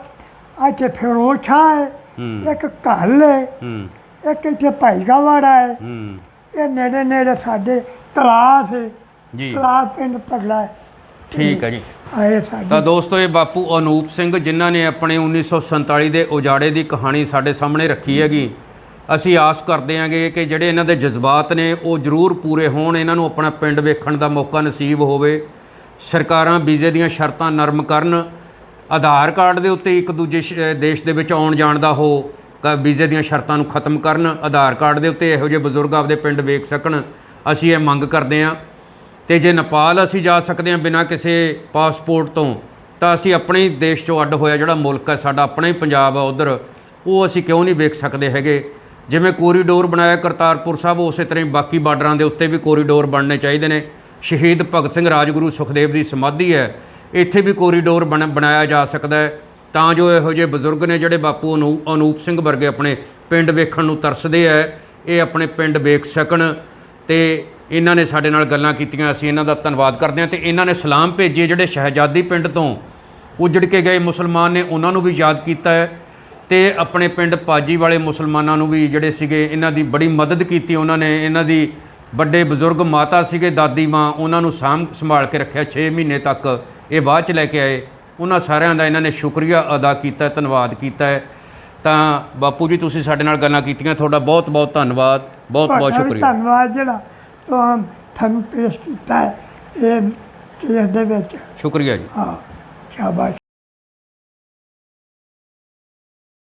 ਇੱਥੇ ਫਿਰੋਜ਼ਾ ਹੈ ਹੂੰ ਇੱਕ ਘੱਲ ਹੈ ਹੂੰ ਇੱਕ ਇੱਥੇ ਭਾਈਕਾਵਾੜਾ ਹੈ ਹੂੰ ਇਹ ਨੇੜੇ ਨੇੜੇ ਸਾਡੇ ਤਲਾਸ ਹੈ ਜੀ ਤਲਾਸ ਪਿੰਡ ਤਗੜਾ ਹੈ ਠੀਕ ਹੈ ਜੀ ਆਏ ਸਾਡੇ ਤਾਂ ਦੋਸਤੋ ਇਹ ਬਾਪੂ ਅਨੂਪ ਸਿੰਘ ਜਿਨ੍ਹਾਂ ਨੇ ਆਪਣੇ ਉੱਨੀ ਸੌ ਸੰਤਾਲੀ ਦੇ ਉਜਾੜੇ ਦੀ ਕਹਾਣੀ ਸਾਡੇ ਸਾਹਮਣੇ ਰੱਖੀ ਹੈਗੀ ਅਸੀਂ ਆਸ ਕਰਦੇ ਹਾਂਗੇ ਕਿ ਜਿਹੜੇ ਇਹਨਾਂ ਦੇ ਜਜ਼ਬਾਤ ਨੇ ਉਹ ਜ਼ਰੂਰ ਪੂਰੇ ਹੋਣ ਇਹਨਾਂ ਨੂੰ ਆਪਣਾ ਪਿੰਡ ਵੇਖਣ ਦਾ ਮੌਕਾ ਨਸੀਬ ਹੋਵੇ ਸਰਕਾਰਾਂ ਵੀਜ਼ੇ ਦੀਆਂ ਸ਼ਰਤਾਂ ਨਰਮ ਕਰਨ ਆਧਾਰ ਕਾਰਡ ਦੇ ਉੱਤੇ ਇੱਕ ਦੂਜੇ ਸ਼- ਦੇਸ਼ ਦੇ ਵਿੱਚ ਆਉਣ ਜਾਣ ਦਾ ਉਹ ਕ- ਵੀਜ਼ੇ ਦੀਆਂ ਸ਼ਰਤਾਂ ਨੂੰ ਖਤਮ ਕਰਨ ਆਧਾਰ ਕਾਰਡ ਦੇ ਉੱਤੇ ਇਹੋ ਜਿਹੇ ਬਜ਼ੁਰਗ ਆਪਦੇ ਪਿੰਡ ਵੇਖ ਸਕਣ ਅਸੀਂ ਇਹ ਮੰਗ ਕਰਦੇ ਹਾਂ ਤੇ ਜੇ ਨੇਪਾਲ ਅਸੀਂ ਜਾ ਸਕਦੇ ਹਾਂ ਬਿਨਾਂ ਕਿਸੇ ਪਾਸਪੋਰਟ ਤੋਂ ਤਾਂ ਅਸੀਂ ਆਪਣੇ ਹੀ ਦੇਸ਼ 'ਚੋਂ ਅੱਡ ਹੋਇਆ ਜਿਹੜਾ ਮੁਲਕ ਹੈ ਸਾਡਾ ਆਪਣਾ ਹੀ ਪੰਜਾਬ ਆ ਉੱਧਰ ਉਹ ਅਸੀਂ ਕਿਉਂ ਨਹੀਂ ਵੇਖ ਸਕਦੇ ਹੈਗੇ ਜਿਵੇਂ ਕੋਰੀਡੋਰ ਬਣਾਇਆ ਕਰਤਾਰਪੁਰ ਸਾਹਿਬ ਉਸੇ ਤਰ੍ਹਾਂ ਹੀ ਬਾਕੀ ਬਾਰਡਰਾਂ ਦੇ ਉੱਤੇ ਵੀ ਕੋਰੀਡੋਰ ਬਣਨੇ ਚਾਹੀਦੇ ਨੇ ਸ਼ਹੀਦ ਭਗਤ ਸਿੰਘ ਰਾਜਗੁਰੂ ਸੁਖਦੇਵ ਦੀ ਸਮਾਧੀ ਹੈ ਇੱਥੇ ਵੀ ਕੋਰੀਡੋਰ ਬਣ ਬਣਾਇਆ ਜਾ ਸਕਦਾ ਹੈ ਤਾਂ ਜੋ ਇਹੋ ਜਿਹੇ ਬਜ਼ੁਰਗ ਨੇ ਜਿਹੜੇ ਬਾਪੂ ਅਨੂ ਅਨੂਪ ਸਿੰਘ ਵਰਗੇ ਆਪਣੇ ਪਿੰਡ ਵੇਖਣ ਨੂੰ ਤਰਸਦੇ ਹੈ ਇਹ ਆਪਣੇ ਪਿੰਡ ਵੇਖ ਸਕਣ ਤੇ ਇਹਨਾਂ ਨੇ ਸਾਡੇ ਨਾਲ ਗੱਲਾਂ ਕੀਤੀਆਂ ਅਸੀਂ ਇਹਨਾਂ ਦਾ ਧੰਨਵਾਦ ਕਰਦੇ ਹਾਂ ਤੇ ਇਹਨਾਂ ਨੇ ਸਲਾਮ ਭੇਜੇ ਜਿਹੜੇ ਸ਼ਹਿਜ਼ਾਦੀ ਪਿੰਡ ਤੋਂ ਉਜੜ ਕੇ ਗਏ ਮੁਸਲਮਾਨ ਨੇ ਉਹਨਾਂ ਨੂੰ ਵੀ ਯਾਦ ਕੀਤਾ ਹੈ ਤੇ ਆਪਣੇ ਪਿੰਡ ਪਾਜੀ ਵਾਲੇ ਮੁਸਲਮਾਨਾਂ ਨੂੰ ਵੀ ਜਿਹੜੇ ਸੀਗੇ ਇਹਨਾਂ ਦੀ ਬੜੀ ਮਦਦ ਕੀਤੀ ਉਹਨਾਂ ਨੇ ਇਹਨਾਂ ਦੀ ਵੱਡੇ ਬਜ਼ੁਰਗ ਮਾਤਾ ਸੀਗੇ ਦਾਦੀ ਮਾਂ ਉਹਨਾਂ ਨੂੰ ਸਾਂਭ ਸੰਭਾਲ ਕੇ ਰੱਖਿਆ ਛੇ ਮਹੀਨੇ ਤੱਕ ਇਹ ਬਾਅਦ 'ਚ ਲੈ ਕੇ ਆਏ ਉਹਨਾਂ ਸਾਰਿਆਂ ਦਾ ਇਹਨਾਂ ਨੇ ਸ਼ੁਕਰੀਆ ਅਦਾ ਕੀਤਾ ਧੰਨਵਾਦ ਕੀਤਾ ਹੈ ਤਾਂ ਬਾਪੂ ਜੀ ਤੁਸੀਂ ਸਾਡੇ ਨਾਲ ਗੱਲਾਂ ਕੀਤੀਆਂ ਤੁਹਾਡਾ ਬਹੁਤ ਬਹੁਤ ਧੰਨਵਾਦ ਬਹੁਤ ਬਹੁਤ ਤੁਹਾਡਾ ਵੀ ਸ਼ੁਕਰੀਆ ਧੰਨਵਾਦ ਜਿਹੜਾ ਤੁਹਾਂ ਤੁਹਾਨੂੰ ਪੇਸ਼ ਕੀਤਾ ਹੈ ਇਹ ਕੇਸ ਦੇ ਵਿੱਚ। ਸ਼ੁਕਰੀਆ ਜੀ। ਹਾਂ ਸ਼ਾਬਾਸ਼।